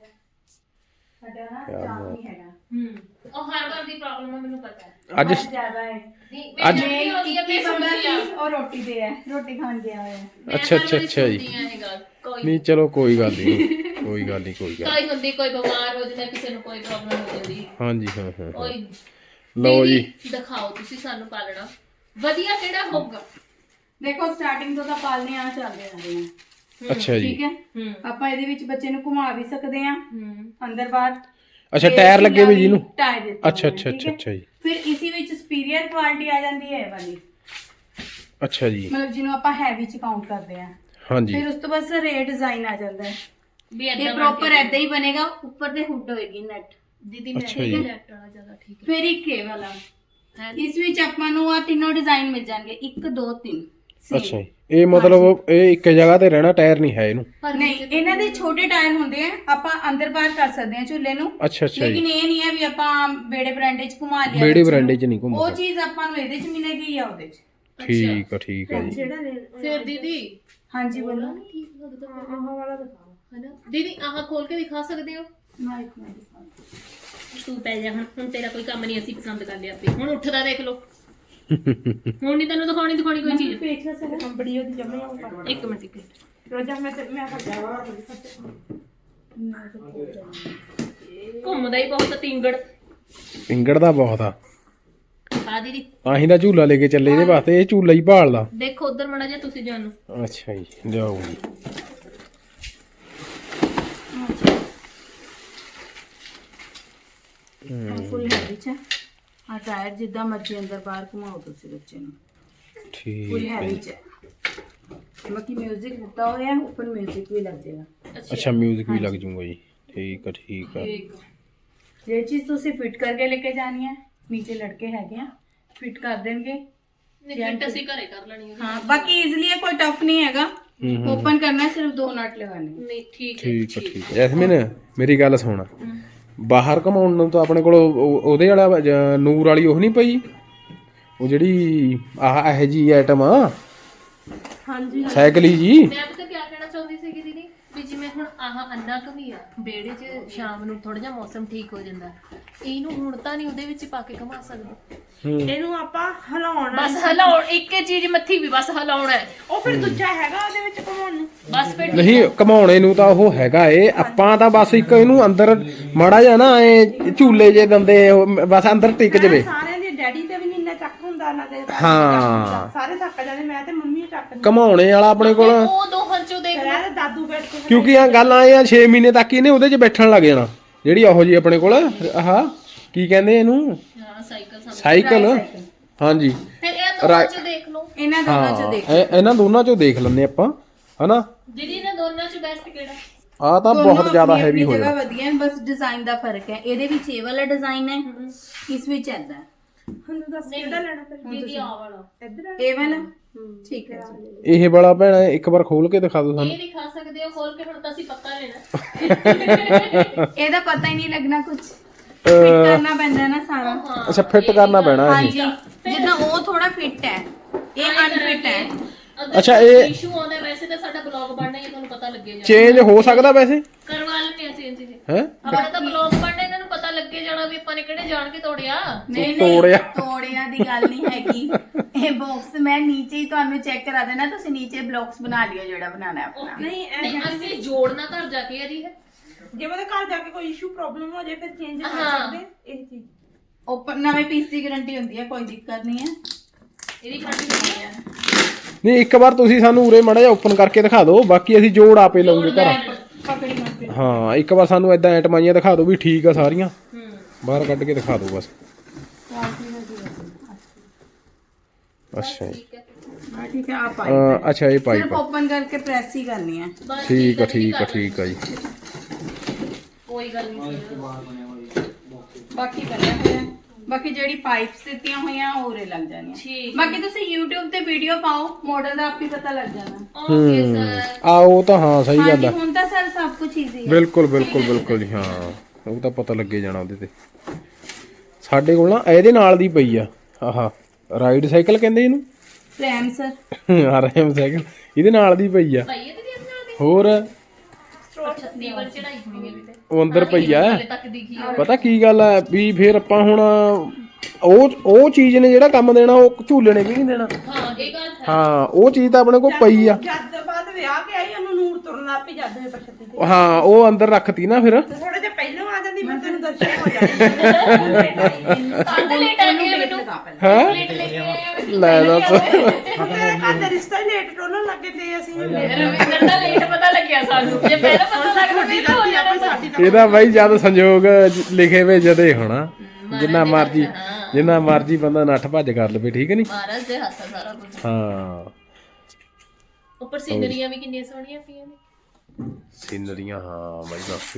ਉਹ ਹਰ ਵਾਰ ਦੀ ਪ੍ਰੋਬਲਮ ਹੈ ਮੈਨੂੰ ਪਤਾ ਹੈ
ਅੱਜ
ਅੱਜ ਹੋਦੀ ਹੈ ਮੈਂ ਸੁਣਦੀ ਆ
ਉਹ ਰੋਟੀ ਦੇ ਹੈ ਰੋਟੀ ਖਾਣ ਗਿਆ ਹੋਇਆ
ਅੱਛਾ ਜੀ ਨਹੀਂ ਚਲੋ ਕੋਈ ਗੱਲ ਨਹੀਂ ਕੋਈ ਗੱਲ
ਕੋਈ ਹੁੰਦੀ ਕੋਈ ਬਿਮਾਰ ਹੋ ਜਾਂਦਾ ਕਿਸੇ ਨੂੰ ਕੋਈ ਪ੍ਰੋਬਲਮ ਹੋ ਜਾਂਦੀ
ਹਾਂਜੀ ਹਾਂ
ਓਏ
ਲਓ ਜੀ
ਦਿਖਾਓ ਤੁਸੀਂ ਸਾਨੂੰ ਪਾਲਣਾ ਵਧੀਆ ਕਿਹੜਾ ਹੋਊਗਾ
ਦੇਖੋ ਸਟਾਰਟਿੰਗ ਤੋਂ ਤਾਂ ਪਾਲਨੇ ਆ ਚੱਲਦੇ ਆ ਰਹੇ ਆ
ਅੱਛਾ ਜੀ
ਠੀਕ ਹੈ ਆਪਾਂ ਇਹਦੇ ਵਿੱਚ ਬੱਚੇ ਨੂੰ ਘੁਮਾ ਵੀ ਸਕਦੇ ਆ ਅੰਦਰ ਬਾਹਰ
ਅੱਛਾ ਟਾਇਰ ਲੱਗੇ ਵੀ ਜਿਹਨੂੰ
ਟਾਇਰ ਦਿੱਤੇ
ਅੱਛਾ ਜੀ
ਫਿਰ ਇਸੇ ਵਿੱਚ ਸੁਪੀਰੀਅਰ ਕੁਆਲਿਟੀ ਆ ਜਾਂਦੀ ਹੈ ਇਹ ਵਾਲੀ
ਅੱਛਾ ਜੀ
ਮਤਲਬ ਜਿਹਨੂੰ ਆਪਾਂ ਹੈਵੀ ਚ ਕਾਊਂਟ ਕਰਦੇ ਆ
ਹਾਂਜੀ
ਫਿਰ ਉਸ ਤੋਂ ਬਾਅਦ ਰੇ ਡਿਜ਼ਾਈਨ ਆ ਜਾਂਦਾ ਹੈ
ਵੀ
ਇਹ ਪ੍ਰੋਪਰ ਐਦਾਂ ਹੀ ਬਣੇਗਾ ਉੱਪਰ ਤੇ ਹੁੱਡ ਹੋਏਗੀ ਨੈਟ
ਦੀਦੀ ਮੈਂ ਲੈਫਟ ਵਾਲਾ ਜ਼ਿਆਦਾ ਠੀਕ
ਫਿਰ ਇੱਕ ਇਹ ਵਾਲਾ ਇਸ ਵਿੱਚ ਆਪਾਂ ਨੂੰ ਆ ਤਿੰਨੋਂ ਡਿਜ਼ਾਈਨ ਮਿਲ ਜਾਣਗੇ 1 2 3
ਅੱਛਾ ਇਹ ਮਤਲਬ ਇਹ ਇੱਕ ਜਗ੍ਹਾ ਤੇ ਰਹਿਣਾ ਟਾਇਰ ਨਹੀਂ ਹੈ ਇਹਨੂੰ
ਨਹੀਂ ਇਹਨਾਂ ਦੇ ਛੋਟੇ ਟਾਇਰ ਹੁੰਦੇ ਆ ਆਪਾਂ ਅੰਦਰ ਬਾਹਰ ਕਰ ਸਕਦੇ ਆ ਝੂਲੇ ਨੂੰ
ਅੱਛਾ
ਲੇਕਿਨ ਇਹ ਨਹੀਂ ਹੈ ਵੀ ਆਪਾਂ ਬੇੜੇ ਬਰਾਂਡੇ 'ਚ ਘੁਮਾ ਲਿਆ
ਬੇੜੇ ਬਰਾਂਡੇ 'ਚ ਨਹੀਂ ਘੁੰਮਦਾ
ਉਹ ਚੀਜ਼ ਆਪਾਂ ਨੂੰ ਇਹਦੇ 'ਚ ਮਿਲੇਗੀ ਜਾਂ ਉਹਦੇ 'ਚ
ਠੀਕ ਆ ਜੀ
ਫਿਰ ਦੀਦੀ
ਹਾਂਜੀ ਬੋਲੋ
ਠੀਕ ਲੱਗਦਾ ਆਹ ਵਾਲਾ ਦਿਖਾਓ ਹੈਨਾ ਦੀਦੀ ਆਹ ਖੋਲ ਕੇ ਦਿਖਾ ਸਕਦੇ ਹੋ
ਨਾ ਇੱਕ ਮਿੰਟ
ਤੂੰ ਪੈ ਜਾ ਹੁਣ ਤੇਰਾ ਕੋਈ ਕੰਮ ਨਹੀਂ, ਅਸੀਂ ਪਸੰਦ ਕਰ ਲਿਆ ਆਪੇ। ਹੁਣ ਉੱਠਦਾ ਦੇਖ ਲਓ, ਹੁਣ ਨਹੀਂ ਤੈਨੂੰ ਦਿਖਾਉਣੀ ਕੋਈ ਚੀਜ਼।
ਕੰਬੜੀ ਉਹਦੀ ਜਮਾ
ਇੱਕ ਮਿੰਟ
ਰੋਜ਼ਾ ਮੈਂ ਕਰ ਜਾਵਾ
ਘੁੰਮਦਾ ਹੀ ਬਹੁਤ ਤਿੰਗੜ
ਪਿੰਗੜ ਦਾ ਬਹੁਤ ਆ,
ਆ ਦੀਦੀ।
ਆਹੀਂ ਦਾ ਝੂਲਾ ਲੈ ਕੇ ਚੱਲੇ ਇਹਦੇ ਵਾਸਤੇ, ਇਹ ਝੂਲਾ ਹੀ ਭਾਲਦਾ।
ਦੇਖੋ ਉਧਰ ਮੜਾ ਜਾ ਤੁਸੀਂ ਜਾਣੋ।
ਅੱਛਾ ਜੀ, ਜਾਓ ਜੀ।
ਫੁੱਲ ਹੈਵੀ ਚ ਆ ਟਾਇਰ ਜਿੱਦਾਂ ਮਰਜ਼ੀ ਅੰਦਰ ਬਾਹਰ ਘੁਮਾਓ ਤੁਸੀਂ ਬੱਚੇ ਨੂੰ। ਫੁੱਲ
ਠੀਕ ਹੈ
ਹੈਵੀ
ਜੀ।
ਚ ਬਾਕੀ ਮਿਊਜ਼ਿਕ ਦਿੱਤਾ ਹੋਇਆ ਹੈ, ਉੱਪਰ ਮਿਊਜ਼ਿਕ ਵੀ ਲੱਗ ਜਾਏਗਾ।
ਅੱਛਾ ਮਿਊਜ਼ਿਕ ਵੀ ਲੱਗ ਜੂਗਾ ਜੀ। ਠੀਕ ਆ ਠੀਕ ਆ।
ਜਿਹੜੀ ਚੀਜ਼ ਤੁਸੀਂ ਫਿੱਟ ਕਰਕੇ ਲੈ ਕੇ ਜਾਣੀ ਹੈ, ਨੀਚੇ ਲੜਕੇ ਹੈਗੇ ਆ ਫਿੱਟ ਕਰ ਦੇਣਗੇ।
ਫਿੱਟ ਅਸੀਂ ਘਰੇ ਕਰ ਲੈਣੀ ਹੈ।
ਹਾਂ ਬਾਕੀ ਈਜ਼ੀਲੀ ਹੈ, ਕੋਈ ਟਫ ਨਹੀਂ ਹੈਗਾ। ਓਪਨ ਕਰਨਾ ਹੈ, ਸਿਰਫ 2 ਨਟ ਲਗਾਣੇ।
ਨਹੀਂ ਠੀਕ ਹੈ
ਠੀਕ ਆ ਠੀਕ ਆ। ਜੈਸਮੀਨ ਮੇਰੀ ਗੱਲ ਸੁਣ, ਬਾਹਰ ਘਮਾਉਣ ਨੂੰ ਤਾਂ ਆਪਣੇ ਕੋਲ ਉਹਦੇ ਵਾਲਾ ਨੂਰ ਵਾਲੀ ਉਹ ਨਹੀਂ ਪਈ, ਉਹ ਜਿਹੜੀ ਆਹ ਇਹ ਜੀ ਆਈਟਮ ਆ
ਹਾਂਜੀ
ਸਾਈਕਲੀ ਜੀ।
ਮੈਂ ਪਤਾ ਕੀ ਕਹਿਣਾ ਚਾਹੁੰਦੀ ਸੀਗੀ ਦੀਦੀ, ਵੀ ਜਿਵੇਂ ਹੁਣ ਆਹ ਅੰਨਾ ਘਮੀ ਆ ਵਿਹੜੇ 'ਚ ਸ਼ਾਮ ਨੂੰ ਥੋੜਾ ਜਿਹਾ ਮੌਸਮ ਠੀਕ ਹੋ ਜਾਂਦਾ, ਇਹਨੂੰ ਹੁਣ ਤਾਂ ਨਹੀਂ ਉਹਦੇ ਵਿੱਚ ਪਾ ਕੇ ਘਮਾ ਸਕਦੇ।
ਇਹਨੂੰ ਆਪਾਂ ਹਿਲਾਉਣਾ,
ਬਸ ਹਿਲਾਉਣ, ਇੱਕ ਹੀ ਚੀਜ਼ ਮੱਥੀ ਵੀ ਬਸ ਹਿਲਾਉਣਾ ਹੈ।
ਉਹ ਫਿਰ ਦੂਜਾ ਹੈਗਾ ਉਹਦੇ ਵਿੱਚ ਘੁਮਾਉਣ ਨੂੰ।
ਬਸ ਫਿਰ
ਨਹੀਂ ਘਮਾਉਣੇ ਨੂੰ ਤਾਂ ਉਹ ਹੈਗਾ ਏ, ਆਪਾਂ ਤਾਂ ਬਸ ਇੱਕ ਇਹਨੂੰ ਅੰਦਰ ਮਾੜਾ ਜਿਹਾ ਨਾ ਇਹ ਝੂਲੇ ਜੇ ਦੰਦੇ ਬਸ ਅੰਦਰ ਟਿਕ ਜਵੇ।
ਸਾਰਿਆਂ ਦੇ ਡੈਡੀ ਤੇ ਵੀ ਨਹੀਂ ਇੰਨਾ ਚੱਕ ਹੁੰਦਾ ਨਾ ਤੇ
ਹਾਂ
ਸਾਰੇ ਥੱਕ ਜਾਂਦੇ, ਮੈਂ ਤੇ ਮੰਮੀ ਚੱਕ ਦਿੰਦੇ।
ਘਮਾਉਣੇ ਵਾਲਾ ਆਪਣੇ ਕੋਲ,
ਉਹ ਦੋਹਾਂ ਚੋਂ ਦੇਖ
ਫਿਰ ਇਹਦੇ ਦਾਦੂ ਬੈਠ ਕੇ
ਕਿਉਂਕਿ ਆ ਗੱਲ ਆਏ ਆ 6 ਮਹੀਨੇ ਤੱਕ ਇਹਨੇ ਉਹਦੇ 'ਚ ਬੈਠਣ ਲੱਗ ਜਾਣਾ। ਜਿਹੜੀ ਉਹੋ ਜੀ ਆਪਣੇ ਕੋਲ ਆਹ ਕੀ ਕਹਿੰਦੇ ਇਹਨੂੰ,
ਹਾਂ ਸਾਈਕਲ
ਸਾਈਕਲ। ਹਾਂਜੀ
ਫਿਰ ਇਹ ਦੋਹਾਂ ਚੋਂ ਦੇਖ ਲਓ
ਇਹਨਾਂ ਦੋਨਾਂ ਚ ਦੇਖ
ਇਹਨਾਂ ਦੋਨਾਂ 'ਚੋਂ ਦੇਖ ਲੈਂਦੇ ਆਪਾਂ ਹਨਾ।
ਦੀਦੀ ਇਹਨਾਂ ਦੋਨਾਂ ਚੋਂ ਬੈਸਟ ਕਿਹੜਾ?
ਆ ਤਾਂ ਬਹੁਤ ਜ਼ਿਆਦਾ ਹੈਵੀ ਹੋ
ਜਗ੍ਹਾ
ਜਾਣਾ।
ਵਧੀਆ ਹੈ, ਬਸ ਡਿਜ਼ਾਈਨ ਦਾ ਫਰਕ ਹੈ। ਇਹਦੇ ਵਿੱਚ ਇਹ ਵਾਲਾ ਡਿਜ਼ਾਈਨ ਹੈ, ਇਸ ਵਿੱਚ ਐਦਾ
ਹੁਣ ਦੱਸ ਕਿਹੜਾ ਲੈਣਾ ਫਿਰ।
ਦੀਦੀ ਆ ਵਾਲਾ
ਇੱਧਰ
ਇਹ ਵਾਲਾ ਠੀਕ ਹੈ ਜੀ।
ਇਹ ਵਾਲਾ ਭੈਣਾ ਇੱਕ ਵਾਰ ਖੋਲ ਕੇ ਦਿਖਾ ਦਿਓ ਸਾਨੂੰ।
ਇਹ ਦਿਖਾ ਸਕਦੇ ਹੋ ਖੋਲ ਕੇ, ਹੁਣ ਤਾਂ ਅਸੀਂ ਪੱਕਾ ਲੈਣਾ।
ਇਹਦਾ ਪਤਾ ਹੀ ਨਹੀਂ ਲੱਗਣਾ ਕੁਝ, ਫਿੱਟ ਕਰਨਾ ਪੈਂਦਾ ਹੈ ਨਾ ਸਾਰਾ।
ਅੱਛਾ ਫਿੱਟ ਕਰਨਾ ਪੈਣਾ ਇਹ।
ਹਾਂਜੀ ਜਿੱਦਾਂ ਉਹ ਥੋੜਾ ਫਿੱਟ ਹੈ, ਇਹ ਅਨਫਿਟ ਹੈ।
ਅੱਛਾ ਇਹ
ਇਸ਼ੂ ਆਉਂਦਾ, ਵੈਸੇ ਤਾਂ ਸਾਡਾ ਬਲੌਗ ਬਣਨਾ ਹੀ ਤੁਹਾਨੂੰ ਪਤਾ ਲੱਗੇ ਜਾਣਾ।
ਚੇਂਜ ਹੋ ਸਕਦਾ ਵੈਸੇ
ਕਰਵਾ ਲੈਣੇ ਆ ਚੇਂਜ ਜੀ।
ਹੈ।
ਹਮਾਰਾ ਤਾਂ ਬਲੌਗ ਬਣਨਾ, ਇਹਨਾਂ ਨੂੰ ਪਤਾ ਲੱਗੇ ਜਾਣਾ ਵੀ ਆਪਾਂ ਨੇ ਕਿਹੜੇ ਜਾਣ ਕੇ ਤੋੜਿਆ।
ਨਹੀਂ
ਤੋੜਿਆ।
ਤੋੜਿਆ ਦੀ ਗੱਲ ਨਹੀਂ ਹੈਗੀ। ਇਹ ਬਾਕਸ ਮੈਂ ਨੀਚੇ ਹੀ ਤੁਹਾਨੂੰ ਚੈੱਕ ਕਰਾ ਦੇਣਾ, ਤੁਸੀਂ ਨੀਚੇ ਬਲੌਕਸ ਬਣਾ ਲਿਓ ਜਿਹੜਾ ਬਣਾਉਣਾ ਹੈ ਆਪਣਾ।
ਨਹੀਂ
ਨਹੀਂ ਅਸੀਂ ਜੋੜਨਾ ਘਰ ਜਾ ਕੇ ਇਹਦੀ ਹੈ।
ਜੇ ਉਹਦੇ ਘਰ ਜਾ ਕੇ ਕੋਈ ਇਸ਼ੂ ਪ੍ਰੋਬਲਮ ਹੋ ਜਾਏ ਫਿਰ ਚੇਂਜ ਕਰ
ਹਾਂ।
ਸਕਦੇ ਇਹ ਚੀਜ਼।
ਓਪਨ ਨਵੇਂ ਪੀਸ ਦੀ ਗਾਰੰਟੀ ਹੁੰਦੀ ਹੈ, ਕੋਈ ਦਿੱਕਤ ਨਹੀਂ ਹੈ।
ਇਹਦੀ ਖੰਡ ਨਹੀਂ ਹੈ।
ਨਹੀਂ ਇੱਕ ਵਾਰ ਤੁਸੀਂ ਸਾਨੂੰ ਉਰੇ ਮਾੜਾ ਜਿਹਾ ਓਪਨ ਕਰਕੇ ਦਿਖਾ ਦਿਓ, ਬਾਕੀ ਅਸੀਂ ਜੋੜ ਆਪੇ ਲਾਉਂਗੇ ਘਰ।
ਪਕੜੀ ਮਾਰਦੇ।
ਹਾਂ ਇੱਕ ਵਾਰ ਸਾਨੂੰ ਇਦਾਂ ਐਟਮਾਈਆਂ ਦਿਖਾ ਦਿਓ ਵੀ ਠੀਕ ਆ ਸਾਰੀਆਂ, ਬਾਹਰ ਕੱਢ ਕੇ ਦਿਖਾ ਦਿਓ ਬਸ। ਅੱਛਾ ਜੀ
ਹਾਂ ਠੀਕ ਹੈ, ਆ ਪਾਈਪ
ਅੱਛਾ ਇਹ
ਸਿਰਫ
ਪਾਈਪ
ਓਪਨ ਕਰਕੇ ਪ੍ਰੈਸ ਹੀ ਕਰਨੀ ਹੈ।
ਬਸ
ਠੀਕ ਆ
ਹੈ,
ਠੀਕ ਆ
ਕਰ
ਠੀਕ ਆ ਜੀ।
ਕੋਈ ਗੱਲ ਨਹੀਂ।
ਬਾਕੀ ਬਣਿਆ ਹੋਇਆ, ਬਾਕੀ ਜਿਹੜੀ ਪਾਈਪਸ ਦਿੱਤੀਆਂ ਹੋਈਆਂ ਉਹ ਉਰੇ ਲੱਗ ਜਾਣੀਆਂ।
ਠੀਕ
ਬਾਕੀ ਤੁਸੀਂ YouTube ਤੇ ਵੀਡੀਓ ਪਾਓ, ਮਾਡਲ ਦਾ ਆਪ ਹੀ ਪਤਾ ਲੱਗ ਜਾਣਾ।
Okay sir.
ਆ ਉਹ ਤਾਂ ਹਾਂ ਸਹੀ ਗੱਲ
ਹਾਂਜੀ
ਆ।
ਹੁਣ ਤਾਂ ਸਰ ਸਭ ਕੁਝ ਈਜ਼ੀ ਹੈ।
ਬਿਲਕੁਲ ਬਿਲਕੁਲ ਬਿਲਕੁਲ ਜੀ। ਹਾਂ ਉਹ ਤਾਂ ਪਤਾ ਲੱਗੇ ਜਾਣਾ ਉਹਦੇ ਤੇ। ਸਾਡੇ ਕੋਲ ਨਾ ਇਹਦੇ ਨਾਲ ਦੀ ਪਈ ਆ ਆਹ ਰਾਈਡ ਸਾਈਕਲ ਕਹਿੰਦੇ ਇਹਨੂੰ,
ਪ੍ਰੈਮ ਸਰ
ਆਰਐਮ ਸਾਈਕਲ ਇਹਦੇ ਨਾਲ ਦੀ ਪਈ ਆ।
ਭਾਈ ਇਹਦੇ ਨਾਲ ਦੇ
ਹੋਰ
ਅੱਛਾ ਨੀਵਲ ਚੜਾਈ ਹੋਣੀ ਹੈ ਵੀ ਤੇ
ਉਹ ਅੰਦਰ ਪਈ ਆ।
ਹਲੇ ਤੱਕ ਦਿਖੀ ਆ।
ਪਤਾ ਕੀ ਗੱਲ ਆ ਵੀ ਫਿਰ ਆਪਾਂ ਹੁਣ ਉਹ ਚੀਜ਼ ਨੇ ਜਿਹੜਾ ਕੰਮ ਦੇਣਾ ਉਹ ਝੂਲੇ ਨੇ ਵੀ ਨਹੀਂ ਦੇਣਾ।
ਹਾਂ ਇਹ ਗੱਲ ਹੈ।
ਹਾਂ ਉਹ ਚੀਜ਼ ਤਾਂ ਆਪਣੇ ਕੋਲ ਪਈ ਆ।
ਜਦ ਬਾਅਦ ਵਿਆਹ ਕੇ ਆਈ ਉਹਨੂੰ ਨੂਰ ਤੁਰਨ ਲੱਗ ਪਈ ਜਦ ਇਹ ਪਛਤੀ ਤੇ
ਹਾਂ ਉਹ ਅੰਦਰ ਰੱਖਤੀ ਨਾ ਫਿਰ।
ਥੋੜਾ ਜਿਹਾ ਪਹਿਲਾਂ ਆ ਜਾਂਦੀ ਮੈਂ ਤੈਨੂੰ ਦਰਸ਼ਨ ਹੋ ਜਾਣੀ।
ਕੰਧ ਲੇਟ ਆ ਗਈ ਮੈਨੂੰ।
ਹੈ
ਲੇਟ ਲੈ ਕੇ ਆਇਆ
ਲੈ ਦੱਸ।
ਤੇਰੇ ਘਰ ਦਾ ਰਿਸ਼ਤਾ ਹੀ ਲੇਟ ਟੋਲਣ ਲੱਗੇ ਤੇ ਅਸੀਂ
ਰਵਿੰਦਰ ਦਾ ਲੇਟ ਪਤਾ ਲੱਗਿਆ ਸਾਨੂੰ। ਜੇ ਪਹਿਲਾਂ ਪਤਾ ਲੱਗਦਾ ਫਿਰ ਤਾਂ ਹੋ ਜਾਣਾ ਸੀ।
ਇਹਦਾ ਬਾਈ ਜਦ ਸੰਜੋਗ ਲਿਖੇ ਵੇ ਜਦੇ ਹੋਣਾ। ਜਿੰਨਾ ਮਰਜੀ ਬੰਦਾ ਨੱਠ ਭੱਜ ਕਰ ਲਵੇ, ਠੀਕ ਨਹੀਂ।
ਮਹਾਰਾਜ ਦੇ ਹੱਥ ਆ ਸਾਰਾ ਕੁਝ।
ਹਾਂ
ਉੱਪਰ ਸੀਨਰੀਆਂ ਵੀ ਕਿੰਨੀਆਂ ਸੋਹਣੀਆਂ ਪਈਆਂ ਨੇ।
ਸੀਨਰੀਆਂ ਹਾਂ ਬਾਈ ਬਸ।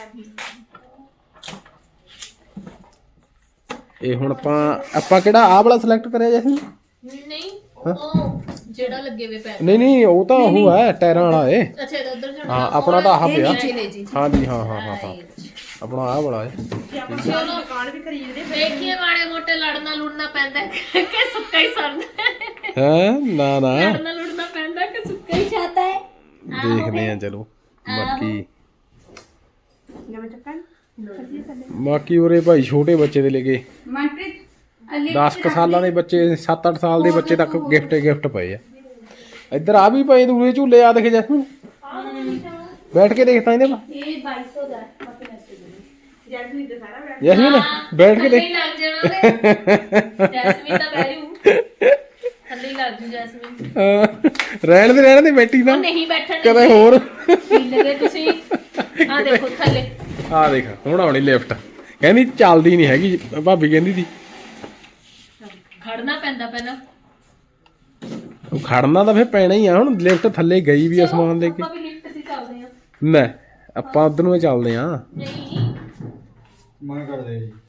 ਇਹ ਹੁਣ ਆਪਾਂ ਕਿਹੜਾ ਆਹ ਵਾਲਾ ਸਿਲੈਕਟ ਕਰਿਆ ਜੈਸੀ?
ਨਹੀਂ ਉਹ ਜਿਹੜਾ ਲੱਗੇ ਵੇ ਪੈਰ।
ਨਹੀਂ ਉਹ ਤਾਂ ਉਹ ਹੈ ਟਾਇਰਾਂ ਵਾਲਾ ਏ।
ਅੱਛਾ ਇਹਦਾ ਉਧਰ ਜਾਣਾ।
ਹਾਂ ਆਪਣਾ ਤਾਂ ਆਹ ਪਿਆ।
ਚਲੇ ਜੀ।
ਹਾਂਜੀ ਹਾਂ ਹਾਂ ਹਾਂ ਹਾਂ ਆਪਣਾ ਆਹ ਵਾਲਾ ਏ।
ਚਲੋ ਦੁਕਾਨ ਵੀ ਖਰੀਦਦੇ
ਦੇਖੀਏ ਮਾੜੇ ਮੋਟੇ ਲੜਨਾ ਲੁੜਨਾ ਪੈਂਦਾ ਕਿ ਸੁੱਕਾ ਹੀ ਸਰਦਾ।
ਹੈ ਨਾ ਨਾ
ਲੜਨਾ ਲੁੜਨਾ ਪੈਂਦਾ ਕਿ ਸੁੱਕਾ ਹੀ
ਚਾਹਤਾ ਹੈ।
ਦੇਖਦੇ ਆ ਚਲੋ ਬਾਕੀ।
ਜਿਵੇਂ ਚੱਕਣ
ਬਾਕੀ ਉਰੇ ਭਾਈ ਛੋਟੇ ਬੱਚੇ ਦੇ ਲੈ ਕੇ
ਮਨਪ੍ਰੀਤ
10 ਸਾਲਾਂ ਦੇ ਬੱਚੇ 7-8 ਸਾਲ ਦੇ ਬੱਚੇ ਤੱਕ ਗਿਫਟ ਪਏ ਆ। ਇੱਧਰ ਆ ਵੀ ਪਏ ਦੂਰੇ ਝੂਲੇ ਆ ਦੇਖ ਜੈਸਮੀਨ ਬੈਠ ਕੇ ਦੇਖਤਾ ਇਹਦੇ ਪਾ
ਇਹ 2200 ਦਾ
ਜੈਸਮੀਨ ਦੇ ਸਾਰਾ ਬੈਠ
ਜੈਸਮੀਨ ਬੈਠ ਕੇ ਦੇਖ
ਥੱਲੇ ਲੱਗ ਜਾਣਾ ਉਹਦੇ ਜੈਸਮੀਨ ਤਾਂ ਬੈਠੂ ਥੱਲੇ ਲੱਗ ਜੂ ਜੈਸਮੀਨ
ਰਹਿਣ ਦੇ ਬੈਠੀ ਨਾ
ਉਹ ਨਹੀਂ ਬੈਠਣ
ਕਦੇ ਹੋਰ
ਲੱਗੇ ਤੁਸੀਂ ਆ ਦੇਖੋ ਥੱਲੇ
ਆ ਦੇਖ ਹੁਣ ਆਉਣੀ ਲਿਫਟ ਕਹਿੰਦੀ ਚੱਲਦੀ ਨਹੀਂ ਹੈਗੀ ਭਾਬੀ ਕਹਿੰਦੀ ਸੀ
ਖੜਨਾ ਪੈਂਦਾ ਪਹਿਲਾਂ
ਉਹ ਖੜਨਾ ਤਾਂ ਫੇਰ ਪੈਣਾ ਹੀ ਆ ਹੁਣ ਲਿਫਟ ਥੱਲੇ ਗਈ ਵੀ ਆ ਸਮਾਨ ਲੈ ਕੇ
ਆਪਾਂ ਵੀ ਲਿਫਟ ਤੇ ਚੱਲਦੇ ਆ
ਨਾ ਆਪਾਂ ਉਧਰ ਨੂੰ ਚੱਲਦੇ ਆ
ਨਹੀਂ
ਮਨ ਕਰਦੇ ਜੀ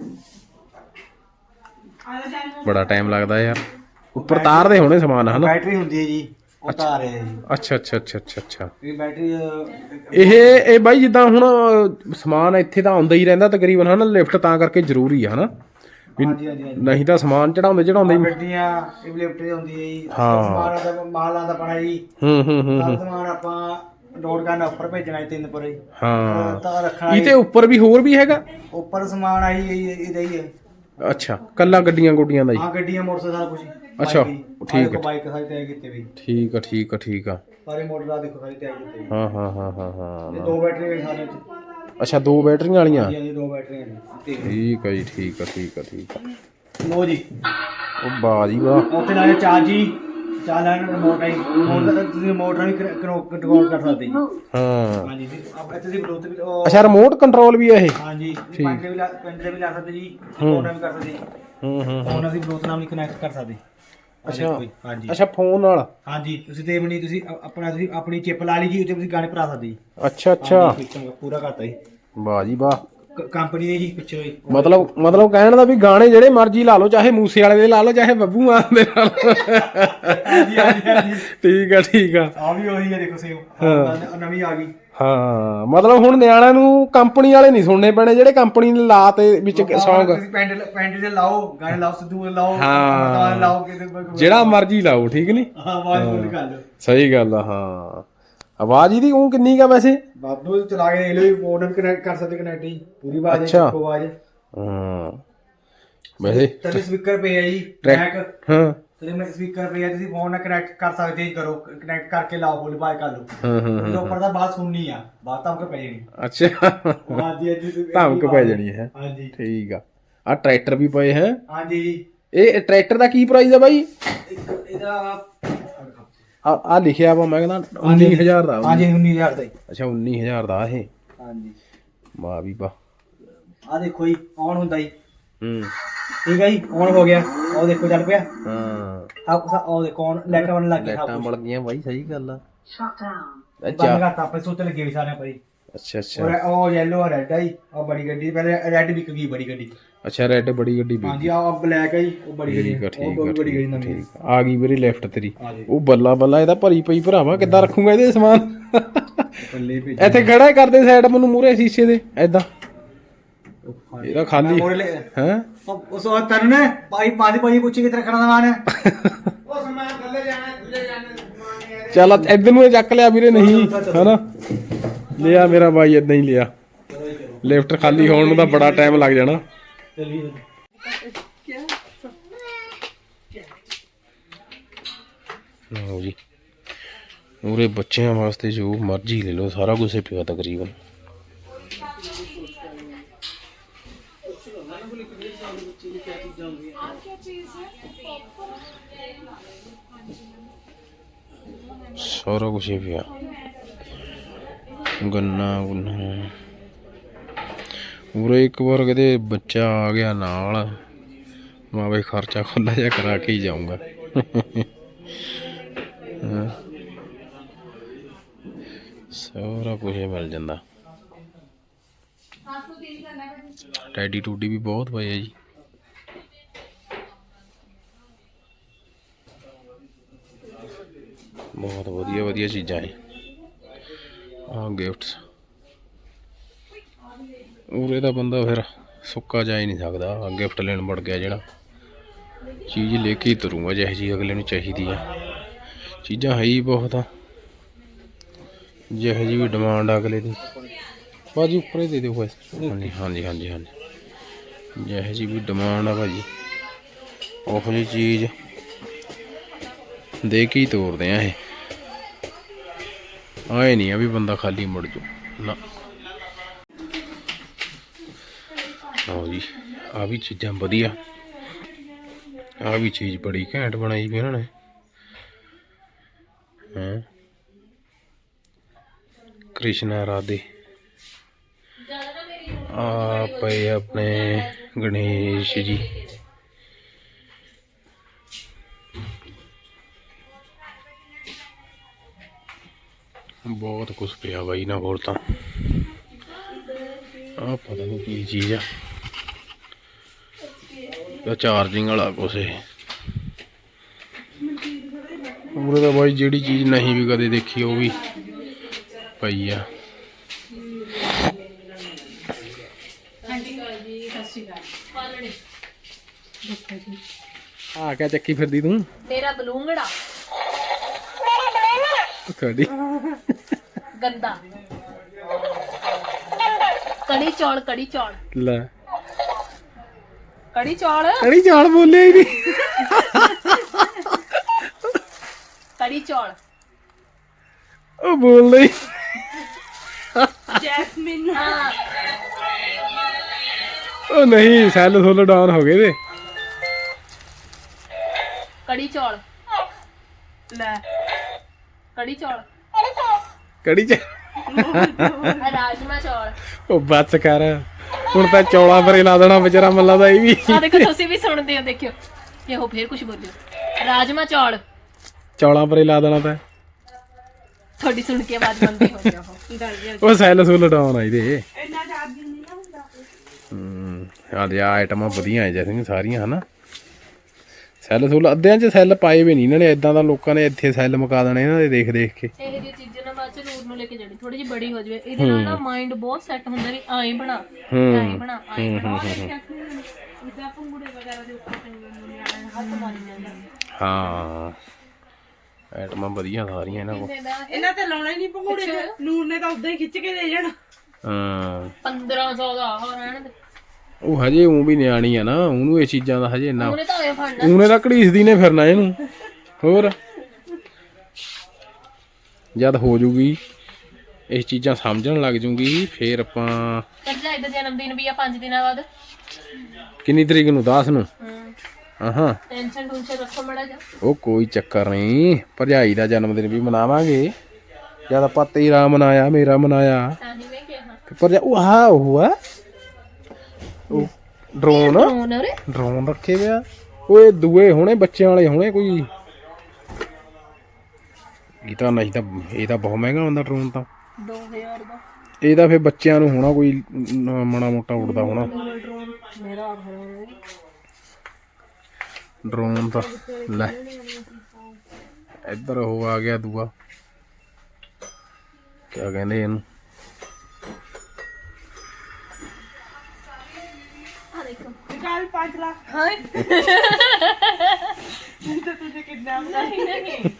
ਬੜਾ ਟਾਈਮ ਲੱਗਦਾ ਯਾਰ ਉੱਪਰ ਤਾਰਦੇ ਹੋਣੇ ਸਮਾਨ ਹਨਾ
ਬੈਟਰੀ ਹੁੰਦੀ ਹੈ ਜੀ ਉਹ ਤਾਰ ਹੈ ਜੀ
ਅੱਛਾ
ਇਹ ਬੈਟਰੀ
ਇਹ ਬਾਈ ਜਿੱਦਾਂ ਹੁਣ ਸਮਾਨ ਇੱਥੇ ਤਾਂ ਆਉਂਦਾ ਹੀ ਰਹਿੰਦਾ ਤਕਰੀਬਨ ਹਨਾ ਲਿਫਟ ਤਾਂ ਕਰਕੇ ਜ਼ਰੂਰੀ ਆ ਹਨਾ ਵੀ
ਹਾਂਜੀ
ਨਹੀਂ ਤਾਂ ਸਮਾਨ ਚੜਾਉਂਦੇ ਹੀ
ਗੱਡੀਆਂ ਇਹ ਲਿਫਟ ਤੇ ਹੁੰਦੀ ਹੈ ਜੀ
ਹਾਂ।
ਸਮਾਨ ਦਾ ਮਾਲ ਆਂਦਾ ਪਣਾ ਜੀ
ਹੂੰ
ਸਾਰਾ ਸਮਾਨ ਆਪਾਂ ਲੋਡ ਕਰਨਾ ਉੱਪਰ ਭੇਜਣਾ ਹੈ 3 ਪਰ
ਹਾਂ
ਤਾਂ ਰੱਖਣਾ
ਇਹ ਤੇ ਉੱਪਰ ਵੀ ਹੋਰ ਵੀ ਹੈਗਾ
ਉੱਪਰ ਸਮਾਨ ਆਈ ਇਹਦਾ ਹੀ ਹੈ
ਅੱਛਾ ਕੱਲਾ ਗੱਡੀਆਂ ਗੁੱਡੀਆਂ ਦਾ ਹੀ
ਹਾਂ ਗੱਡੀਆਂ ਮੋਟਰਸਾਈਕਲ ਸਾਰਾ ਕੁਝ
ਅੱਛਾ, ਠੀਕ ਹੈ।
ਬਾਈਕ ਸਾਰੇ ਤਿਆਰ ਕੀਤੇ ਵੀ
ਠੀਕ ਆ
ਸਾਰੇ ਮਾਡਲ ਆ ਦੇਖੋ ਸਾਰੇ ਤਿਆਰ ਕੀਤੇ ਵੀ।
ਹਾਂ
ਇਹ 2 ਬੈਟਰੀ ਵੀ ਸਾਰੇ
ਅੱਛਾ 2 ਬੈਟਰੀਆਂ ਵਾਲੀਆਂ
ਜੀ 2 ਬੈਟਰੀਆਂ ਨੇ
ਠੀਕ ਆ ਜੀ ਠੀਕ ਆ
ਲੋ ਜੀ
ਉਹ ਬਾਜੀ ਵਾਹ
ਉੱਥੇ ਲਾਇਆ ਚਾਰਜ ਜੀ ਚਾਰ ਲਾਈਨ ਰਿਮੋਟ ਆਈ ਰਿਮੋਟ ਦਾ ਤੁਸੀਂ ਮੋਟਰ ਵੀ ਕੰਟਰੋਲ ਕਰ ਸਕਦੇ ਜੀ
ਹਾਂ
ਹਾਂਜੀ ਜੀ ਆਪ ਇੱਥੇ ਦੀ ਬਲੂਟੁੱਥ ਵੀ
ਅੱਛਾ ਰਿਮੋਟ ਕੰਟਰੋਲ ਵੀ ਆ ਇਹ
ਹਾਂਜੀ ਪੈਂਡਲ ਵੀ ਲਾ ਸਕਦੇ ਜੀ ਫੋਨ ਵੀ ਕਰ ਸਕਦੇ ਜੀ ਫੋਨ ਅਸੀਂ ਬਲੂਟੁੱਥ ਨਾਲ ਵੀ ਕਨੈਕਟ ਕਰ ਸਕਦੇ ਹਾਂਜੀ
ਅੱਛਾ ਫੋਨ ਨਾਲ
ਹਾਂਜੀ ਤੁਸੀਂ ਤੇ ਬਣੀ ਤੁਸੀਂ ਤੁਸੀਂ ਆਪਣੀ ਚਿਪ ਲਾ ਲਈ ਜੀ ਉੱਤੇ ਤੁਸੀਂ ਗਾਣੇ ਭਰਾ ਸਕਦੇ ਜੀ
ਅੱਛਾ
ਪੂਰਾ ਕਰਤਾ ਜੀ
ਵਾਹ ਜੀ ਵਾਹ
ਕੰਪਨੀ ਨੇ ਜੀ ਪਿੱਛੇ ਹੋਈ
ਮਤਲਬ ਕਹਿਣ ਦਾ ਵੀ ਗਾਣੇ ਜਿਹੜੇ ਮਰਜ਼ੀ ਲਾ ਲਓ ਚਾਹੇ ਮੂਸੇ ਵਾਲੇ ਦੇ ਲਾ ਲਓ ਚਾਹੇ ਬੱਬੂ ਮਾਨ ਦੇ ਲਾ ਲਓ
ਹਾਂਜੀ
ਠੀਕ ਆ
ਆ ਵੀ ਉਹੀ ਹੈ ਦੇਖੋ ਸੇਮ ਨਵੀਂ ਆ ਗਈ
ਹਾਂ ਮਤਲਬ ਹੁਣ ਨਿਆਣਿਆਂ ਨੂੰ ਕੰਪਨੀ ਵਾਲੇ ਨਹੀਂ ਸੁਣਨੇ ਪੈਣੇ ਜਿਹੜੇ ਕੰਪਨੀ ਨੇ ਲਾ ਤੇ ਵਿੱਚ ਸੌਂਗ
ਤੁਸੀਂ ਪੈਂਡਲ ਤੇ ਲਾਓ ਗਾਣੇ ਲਾਓ ਸਿੱਧੂ ਲਾਓ
ਹਾਂ।
ਲਾਓ
ਜਿਹੜਾ ਮਰਜ਼ੀ ਲਾਓ ਠੀਕ ਨਹੀਂ
ਹਾਂ ਆਵਾਜ਼ ਫੁੱਲ ਕਰ ਲਓ
ਸਹੀ ਗੱਲ ਆ ਹਾਂ ਆਵਾਜ਼ ਇਹਦੀ ਉਹ ਕਿੰਨੀ ਕਾ ਵੈਸੇ
ਬਾਬੂ ਚਲਾ ਕੇ ਦੇਖ ਲਓ ਮੋਡਮ ਕਨੈਕਟ ਕਰ ਸਕਦੇ ਕਨੈਕਟ ਜੀ ਪੂਰੀ ਆਵਾਜ਼
ਅੱਛਾ।
ਇੱਕੋ ਆਵਾਜ਼
ਹਾਂ ਵੈਸੇ
ਤੇ ਸਪੀਕਰ ਪਏ ਆ ਜੀ
ਟਰੈਕ
ਬੈਕ
ਹਾਂ
ਤੇ ਮੈਂ ਸਪੀਕਰ ਪਏ ਆ ਤੁਸੀਂ ਫੋਨ ਨਾਲ ਕਨੈਕਟ ਕਰ ਸਕਦੇ ਜੀ ਕਰੋ ਕਨੈਕਟ ਕਰਕੇ ਲਾਓ ਫੁੱਲ ਆਵਾਜ਼ ਕਰ ਲਓ ਇਹਦੇ ਉੱਪਰ ਦਾ ਬਾਤ ਸੁਣਨੀ ਆ ਬਾਤ ਤਾਂ ਪੈ ਜਾਣੀ
ਅੱਛਾ
ਹਾਂਜੀ ਹਾਂਜੀ
ਧਮਕ ਪੈ ਜਾਣੀ ਹੈ
ਹਾਂਜੀ
ਠੀਕ ਆ ਟਰੈਕਟਰ ਵੀ ਪਏ ਹੈ
ਹਾਂਜੀ ਜੀ
ਇਹ ਟਰੈਕਟਰ ਦਾ ਕੀ ਪ੍ਰਾਈਸ ਆ ਬਾਈ
ਇਹਦਾ
ਆ ਲਿਖਿਆ ਵਾ ਮੈਂ ਕਹਿੰਦਾ 19000 ਦਾ
ਹਾਂਜੀ 19000 ਦਾ ਜੀ
ਅੱਛਾ 19000 ਦਾ ਇਹ
ਹਾਂਜੀ
ਵਾਹ ਵੀ ਵਾਹ
ਆ ਦੇਖੋ ਜੀ ਔਨ ਹੁੰਦਾ ਜੀ
ਹੂੰ
ਠੀਕ ਹੈ ਜੀ ਔਨ ਹੋ ਗਿਆ ਉਹ ਦੇਖੋ ਚੱਲ ਪਿਆ
ਹਾਂ
ਉਹ ਦੇਖੋ ਔਨ ਲਾਈਟ ਆਉਣ ਲੱਗ ਗਿਆ
ਲਾਈਟਾਂ ਬਲ ਗਈਆਂ ਬਾਈ ਸਹੀ ਗੱਲ ਆ
ਬੰਦ
ਅੱਛਾ
ਕਰਤਾ ਆਪਣੇ ਸੁੱਤ ਲੱਗੇ ਵੀ ਸਾਰਿਆਂ ਪਰ
ਅੱਛਾ
ਉਹ ਯੈਲੋ ਰੈਡ ਹੈ ਜੀ ਉਹ ਬੜੀ ਗੱਡੀ ਪਹਿਲੇ ਰੈਡ ਵਿਕ ਗਈ ਬੜੀ ਗੱਡੀ
ਅੱਛਾ ਰੈਡ ਬੜੀ ਗੱਡੀ ਵੀ
ਹਾਂਜੀ ਆ ਬਲੈਕ ਹੈ ਜੀ ਉਹ ਬੜੀ ਗੱਡੀ
ਠੀਕ ਆ
ਉਹ ਬੜੀ ਗੱਡੀ ਨਵੀਂ
ਠੀਕ ਆ ਆ ਗਈ ਵੀਰੇ ਲੈਫਟ ਤੇਰੀ
ਹਾਂਜੀ
ਉਹ ਬੱਲਾ ਇਹਦਾ ਭਰੀ ਪਈ ਭਰਾਵਾ ਕਿੱਦਾਂ ਰੱਖੂਗਾ ਇਹਦੇ ਸਮਾਨ
ਬੱਲੇ ਭੇਜ
ਇੱਥੇ ਖੜਾ ਕਰਦੇ ਸਾਈਡ ਮੈਨੂੰ ਮੂਰੇ ਸ਼ੀਸ਼ੇ ਦੇ ਐਦਾਂ ਇਹਦਾ ਖਾਲੀ ਹੈ
ਉਸ ਵਾਰ ਤੈਨੂੰ ਨੇ ਪਾਈ ਪੁੱਛੀ ਕਿਤੇ ਰੱਖਣਾ ਸਮਾਨ ਹੈ ਉਹ ਸਮਾਨ ਥੱਲੇ ਜਾਣਾ
ਚੱਲ ਇੱਧਰ ਨੂੰ ਇਹ ਚੱਕ ਲਿਆ ਵੀਰੇ ਨਹੀਂ ਹਨਾ ਲਿਆ ਮੇਰਾ ਬਾਈ ਏਦਾਂ ਹੀ ਲਿਆ ਲਿਫਟ ਖਾਲੀ ਹੋਣ ਨੂੰ ਤਾਂ ਬੜਾ ਟਾਈਮ ਲੱਗ ਜਾਣਾ
ਚਲੀਏ
ਲਓ ਜੀ ਉਰੇ ਬੱਚਿਆਂ ਵਾਸਤੇ ਜੋ ਮਰਜ਼ੀ ਲੈ ਲਓ ਸਾਰਾ ਕੁਝ ਹੀ ਪਿਆ ਤਕਰੀਬਨ ਸਾਰਾ ਕੁਝ ਹੀ ਪਿਆ ਗੰਨਾ ਉਰੇ ਇੱਕ ਵਾਰ ਕਿਤੇ ਬੱਚਾ ਆ ਗਿਆ ਨਾਲ ਮੈਂ ਬਈ ਖਰਚਾ ਖੁੱਲਾ ਜਿਹਾ ਕਰਾ ਕੇ ਹੀ ਜਾਊਂਗਾ ਸਾਰਾ ਕੁਝ ਮਿਲ ਜਾਂਦਾ ਟੈਡੀ ਟੂਡੀ ਵੀ ਬਹੁਤ ਪਏ ਆ ਜੀ ਬਹੁਤ ਵਧੀਆ ਚੀਜ਼ਾਂ ਹੈ ਆ ਗਿਫਟਸ ਉਰੇ ਦਾ ਬੰਦਾ ਫਿਰ ਸੁੱਕਾ ਜਾ ਹੀ ਨਹੀਂ ਸਕਦਾ ਗਿਫਟ ਲੈਣ ਵੜ ਗਿਆ ਜਿਹੜਾ ਚੀਜ਼ ਲੈ ਕੇ ਹੀ ਤੁਰੂੰਗਾ ਜਿਹੋ ਜਿਹੀ ਅਗਲੇ ਨੂੰ ਚਾਹੀਦੀ ਆ ਚੀਜ਼ਾਂ ਹੈ ਹੀ ਬਹੁਤ ਆ ਜਿਹੋ ਜਿਹੀ ਵੀ ਡਿਮਾਂਡ ਅਗਲੇ ਦੀ ਭਾਜੀ ਉੱਪਰ ਹੀ ਦੇ ਦਿਓ ਪੈਸੇ। ਹਾਂਜੀ ਹਾਂਜੀ ਹਾਂਜੀ ਹਾਂਜੀ, ਜਿਹੋ ਜਿਹੀ ਵੀ ਡਿਮਾਂਡ ਆ ਭਾਜੀ ਉਹੋ ਜਿਹੀ ਚੀਜ਼ ਦੇ ਕੇ ਹੀ ਤੋਰਦੇ ਆ ਇਹ। ਆਏ ਨਹੀਂ ਆ ਵੀ ਬੰਦਾ ਖਾਲੀ ਮੁੜ ਜੂ ਨਾ। ਆਓ ਜੀ, ਆ ਵੀ ਚੀਜ਼ਾਂ ਵਧੀਆ, ਆ ਵੀ ਚੀਜ਼ ਬੜੀ ਘੈਂਟ ਬਣਾਈ ਵੀ ਇਹਨਾਂ ਨੇ। ਹਾਂ, ਕ੍ਰਿਸ਼ਨਾ ਰਾਧੇ ਆ ਪਏ ਆਪਣੇ ਗਣੇਸ਼ ਜੀ। ਬਹੁਤ ਕੁਛ ਪਿਆ ਬਾਈ ਨਾ ਕੋਲ ਤਾਂ। ਆ ਪਤਾ ਨਹੀਂ ਕੀ ਚੀਜ਼ ਆ, ਚਾਰਜਿੰਗ ਵਾਲਾ ਕੁਛ ਇਹ। ਉਰੇ ਤਾਂ ਬਾਈ ਜਿਹੜੀ ਚੀਜ਼ ਨਹੀਂ ਵੀ ਕਦੇ ਦੇਖੀ ਉਹ ਵੀ ਪਈ ਆ। ਆ ਕਿਆ ਚੱਕੀ ਫਿਰਦੀ ਤੂੰ?
ਮੇਰਾ ਬਲੂੰਗੜਾ
ਤੁਹਾਡੀ
ਗੰਦਾ। ਕੜੀ ਚੌਲ, ਕੜੀ ਚੌਲ,
ਲੈ
ਕੜੀ ਚੌਲ,
ਕੜੀ ਚਾਲ ਬੋਲਿਆ ਹੀ ਨਹੀਂ।
ਕੜੀ ਚੌਲ।
ਉਹ ਬੋਲਦਾ ਹੀ।
ਜੈਸਮੀਨ
ਹਾਂ,
ਉਹ ਨਹੀਂ, ਸੈੱਲ ਸੁੱਲ ਡਾਊਨ ਹੋ ਗਏ ਤੇ।
ਕੜੀ ਚੌਲ,
ਲੈ
ਕੜੀ ਚੌਲ,
ਕੜੀ ਚ
ਰਾਜਮਾ ਚੌਲ।
ਉਹ ਬੱਸ ਕਰ, ਹੁਣ ਤਾਂ ਚੌਲਾਂ ਪਰੇ ਲਾ ਦੇਣਾ ਵਿਚਾਰਾ ਮੱਲਾ ਦਾ ਇਹ ਵੀ।
ਆ ਦੇਖੋ, ਤੁਸੀਂ ਵੀ ਸੁਣਦੇ ਹੋ, ਦੇਖਿਓ ਕਿ ਉਹ ਫੇਰ ਕੁਝ ਬੋਲਿਓ। ਰਾਜਮਾ ਚੌਲ,
ਚੌਲਾਂ ਪਰੇ ਲਾ ਦੇਣਾ ਤਾਂ।
ਤੁਹਾਡੀ ਸੁਣ ਕੇ ਆਵਾਜ਼ ਬੰਦ ਹੋ ਗਿਆ ਉਹ।
ਉਹ ਸੈੱਲ ਸੁੱਲ ਡਾਊਨ ਆ ਇਹਦੇ।
ਇੰਨਾ ਚਾਰਜਿੰਗ ਨਹੀਂ ਨਾ ਹੁੰਦਾ।
ਆ ਦੇ ਆ ਆਈਟਮਾਂ ਵਧੀਆ ਆ ਜੈਸੇ ਸਾਰੀਆਂ ਹਨਾ। ਸੈੱਲ ਸੁੱਲ ਅੱਧਿਆਂ 'ਚ ਸੈੱਲ ਪਾਏ ਵੀ ਨਹੀਂ ਇਹਨਾਂ ਨੇ, ਇਦਾਂ ਦਾ ਲੋਕਾਂ ਨੇ ਇੱਥੇ ਸੈੱਲ ਮੁਕਾ ਦੇਣੇ ਇਹਨਾਂ ਦੇ ਦੇਖ ਦੇਖ ਕੇ।
ਇਹ ਜਿਹੀ ਚੀਜ਼ਾਂ ਨਾ ਬਾਅਦ ਚ ਨੂਰ ਨੂੰ ਲੈ ਕੇ ਜਾਣੀ, ਥੋੜੀ ਜਿਹੀ ਬੜੀ ਹੋ ਜਾਵੇ। ਇਹਦੇ ਨਾਲ ਨਾ ਮਾਈਂਡ ਬਹੁਤ ਸੈੱਟ ਹੁੰਦਾ ਵੀ ਆਏ ਬਣਾ, ਆਏ ਬਣਾ, ਆਏ ਬਣਾ।
ਇਦਾਂ ਪੰਗੂੜੇ ਵਗੈਰਾ ਦੇ ਉੱਪਰ ਨਿਆਣੇ ਹੱਥ ਮਾਰੀ ਜਾਂਦੇ।
ਹਾਂ, ਆਈਟਮਾਂ ਵਧੀਆ ਸਾਰੀਆਂ ਇਹਨਾਂ ਕੋਲ।
ਇਹਨਾਂ ਤੇ ਲਾਉਣਾ ਹੀ ਨਹੀਂ ਪੰਗੂੜੇ ਚ, ਨੂਰ ਨੇ ਤਾਂ ਉਦਾਂ ਹੀ ਖਿੱਚ ਕੇ ਦੇ ਜਾਣਾ।
ਹਾਂ,
1500 ਦਾ ਆ ਰਹਿਣ ਦੇ।
ਉਹ ਹਜੇ ਉਹ ਵੀ ਨਿਆਣੀ ਆ ਨਾ, ਉਹਨੂੰ ਇਹ ਚੀਜ਼ਾਂ ਦਾ ਹਜੇ ਇੰਨਾ।
ਉਹਨੇ ਤਾਂ ਆਏ ਫੜਨਾ।
ਉਹਨੇ ਤਾਂ ਘੜੀਸਦੀ ਨੇ ਫਿਰਨਾ ਇਹਨੂੰ। ਹੋਰ ਜਦ ਹੋ ਜੂਗੀ ਇਹ ਚੀਜ਼ਾਂ ਸਮਝਣ ਲੱਗ ਜੂਗੀ ਫੇਰ ਆਪਾਂ।
ਭਰਜਾਈ ਦਾ ਜਨਮ ਦਿਨ ਵੀ ਆ 5 ਦਿਨਾਂ ਬਾਅਦ।
ਕਿੰਨੀ ਤਰੀਕ ਨੂੰ? 10 ਨੂੰ। ਹਾਂ,
ਟੈਨਸ਼ਨ ਟੂਨਸ਼ਨ ਰੱਖੋ ਮੜਾ ਜਾ।
ਉਹ ਕੋਈ ਚੱਕਰ ਨਹੀਂ, ਭਰਜਾਈ ਦਾ ਜਨਮ ਦਿਨ ਵੀ ਮਨਾਵਾਂਗੇ। ਜਦ ਆਪਾਂ ਤੇਰਾ ਮਨਾਇਆ, ਮੇਰਾ ਮਨਾਇਆ,
ਤਾਂ ਹੀ ਮੈਂ ਕਿਹਾ
ਭਰਜਾ ਉਹ ਆ ਉਹ ਆ ਉਹ ਡਰੋਨ।
ਫੋਨ ਉਰੇ
ਡਰੋਨ ਰੱਖੇ ਵੇ ਆ। ਓਏ ਦੂਏ ਹੋਣੇ, ਬੱਚਿਆਂ ਵਾਲੇ ਹੋਣੇ ਕੋਈ। ਇਹ ਤਾਂ ਨਹੀਂ ਤਾਂ ਇਹ ਤਾਂ ਬਹੁਤ ਮਹਿੰਗਾ ਹੁੰਦਾ ਡਰੋਨ ਤਾਂ।
2000 ਦਾ
ਇਹ ਤਾਂ ਫਿਰ ਬੱਚਿਆਂ ਨੂੰ ਹੋਣਾ ਕੋਈ ਮਾੜਾ ਮੋਟਾ ਉੱਡਦਾ ਹੋਣਾ
ਡਰੋਨ। ਮੇਰਾ
ਡਰੋਨ ਤਾਂ। ਲੈ ਇੱਧਰ ਉਹ ਆ ਗਿਆ ਦੂਆ, ਕਿਆ ਕਹਿੰਦੇ ਇਹਨੂੰ?
ਨਿਕਾਲ 5 ਲੱਖ।
ਹਾਂ
ਤਾਂ ਤੁझे ਕਿਡਨੈਪ
ਨਹੀਂ ਨਹੀਂ।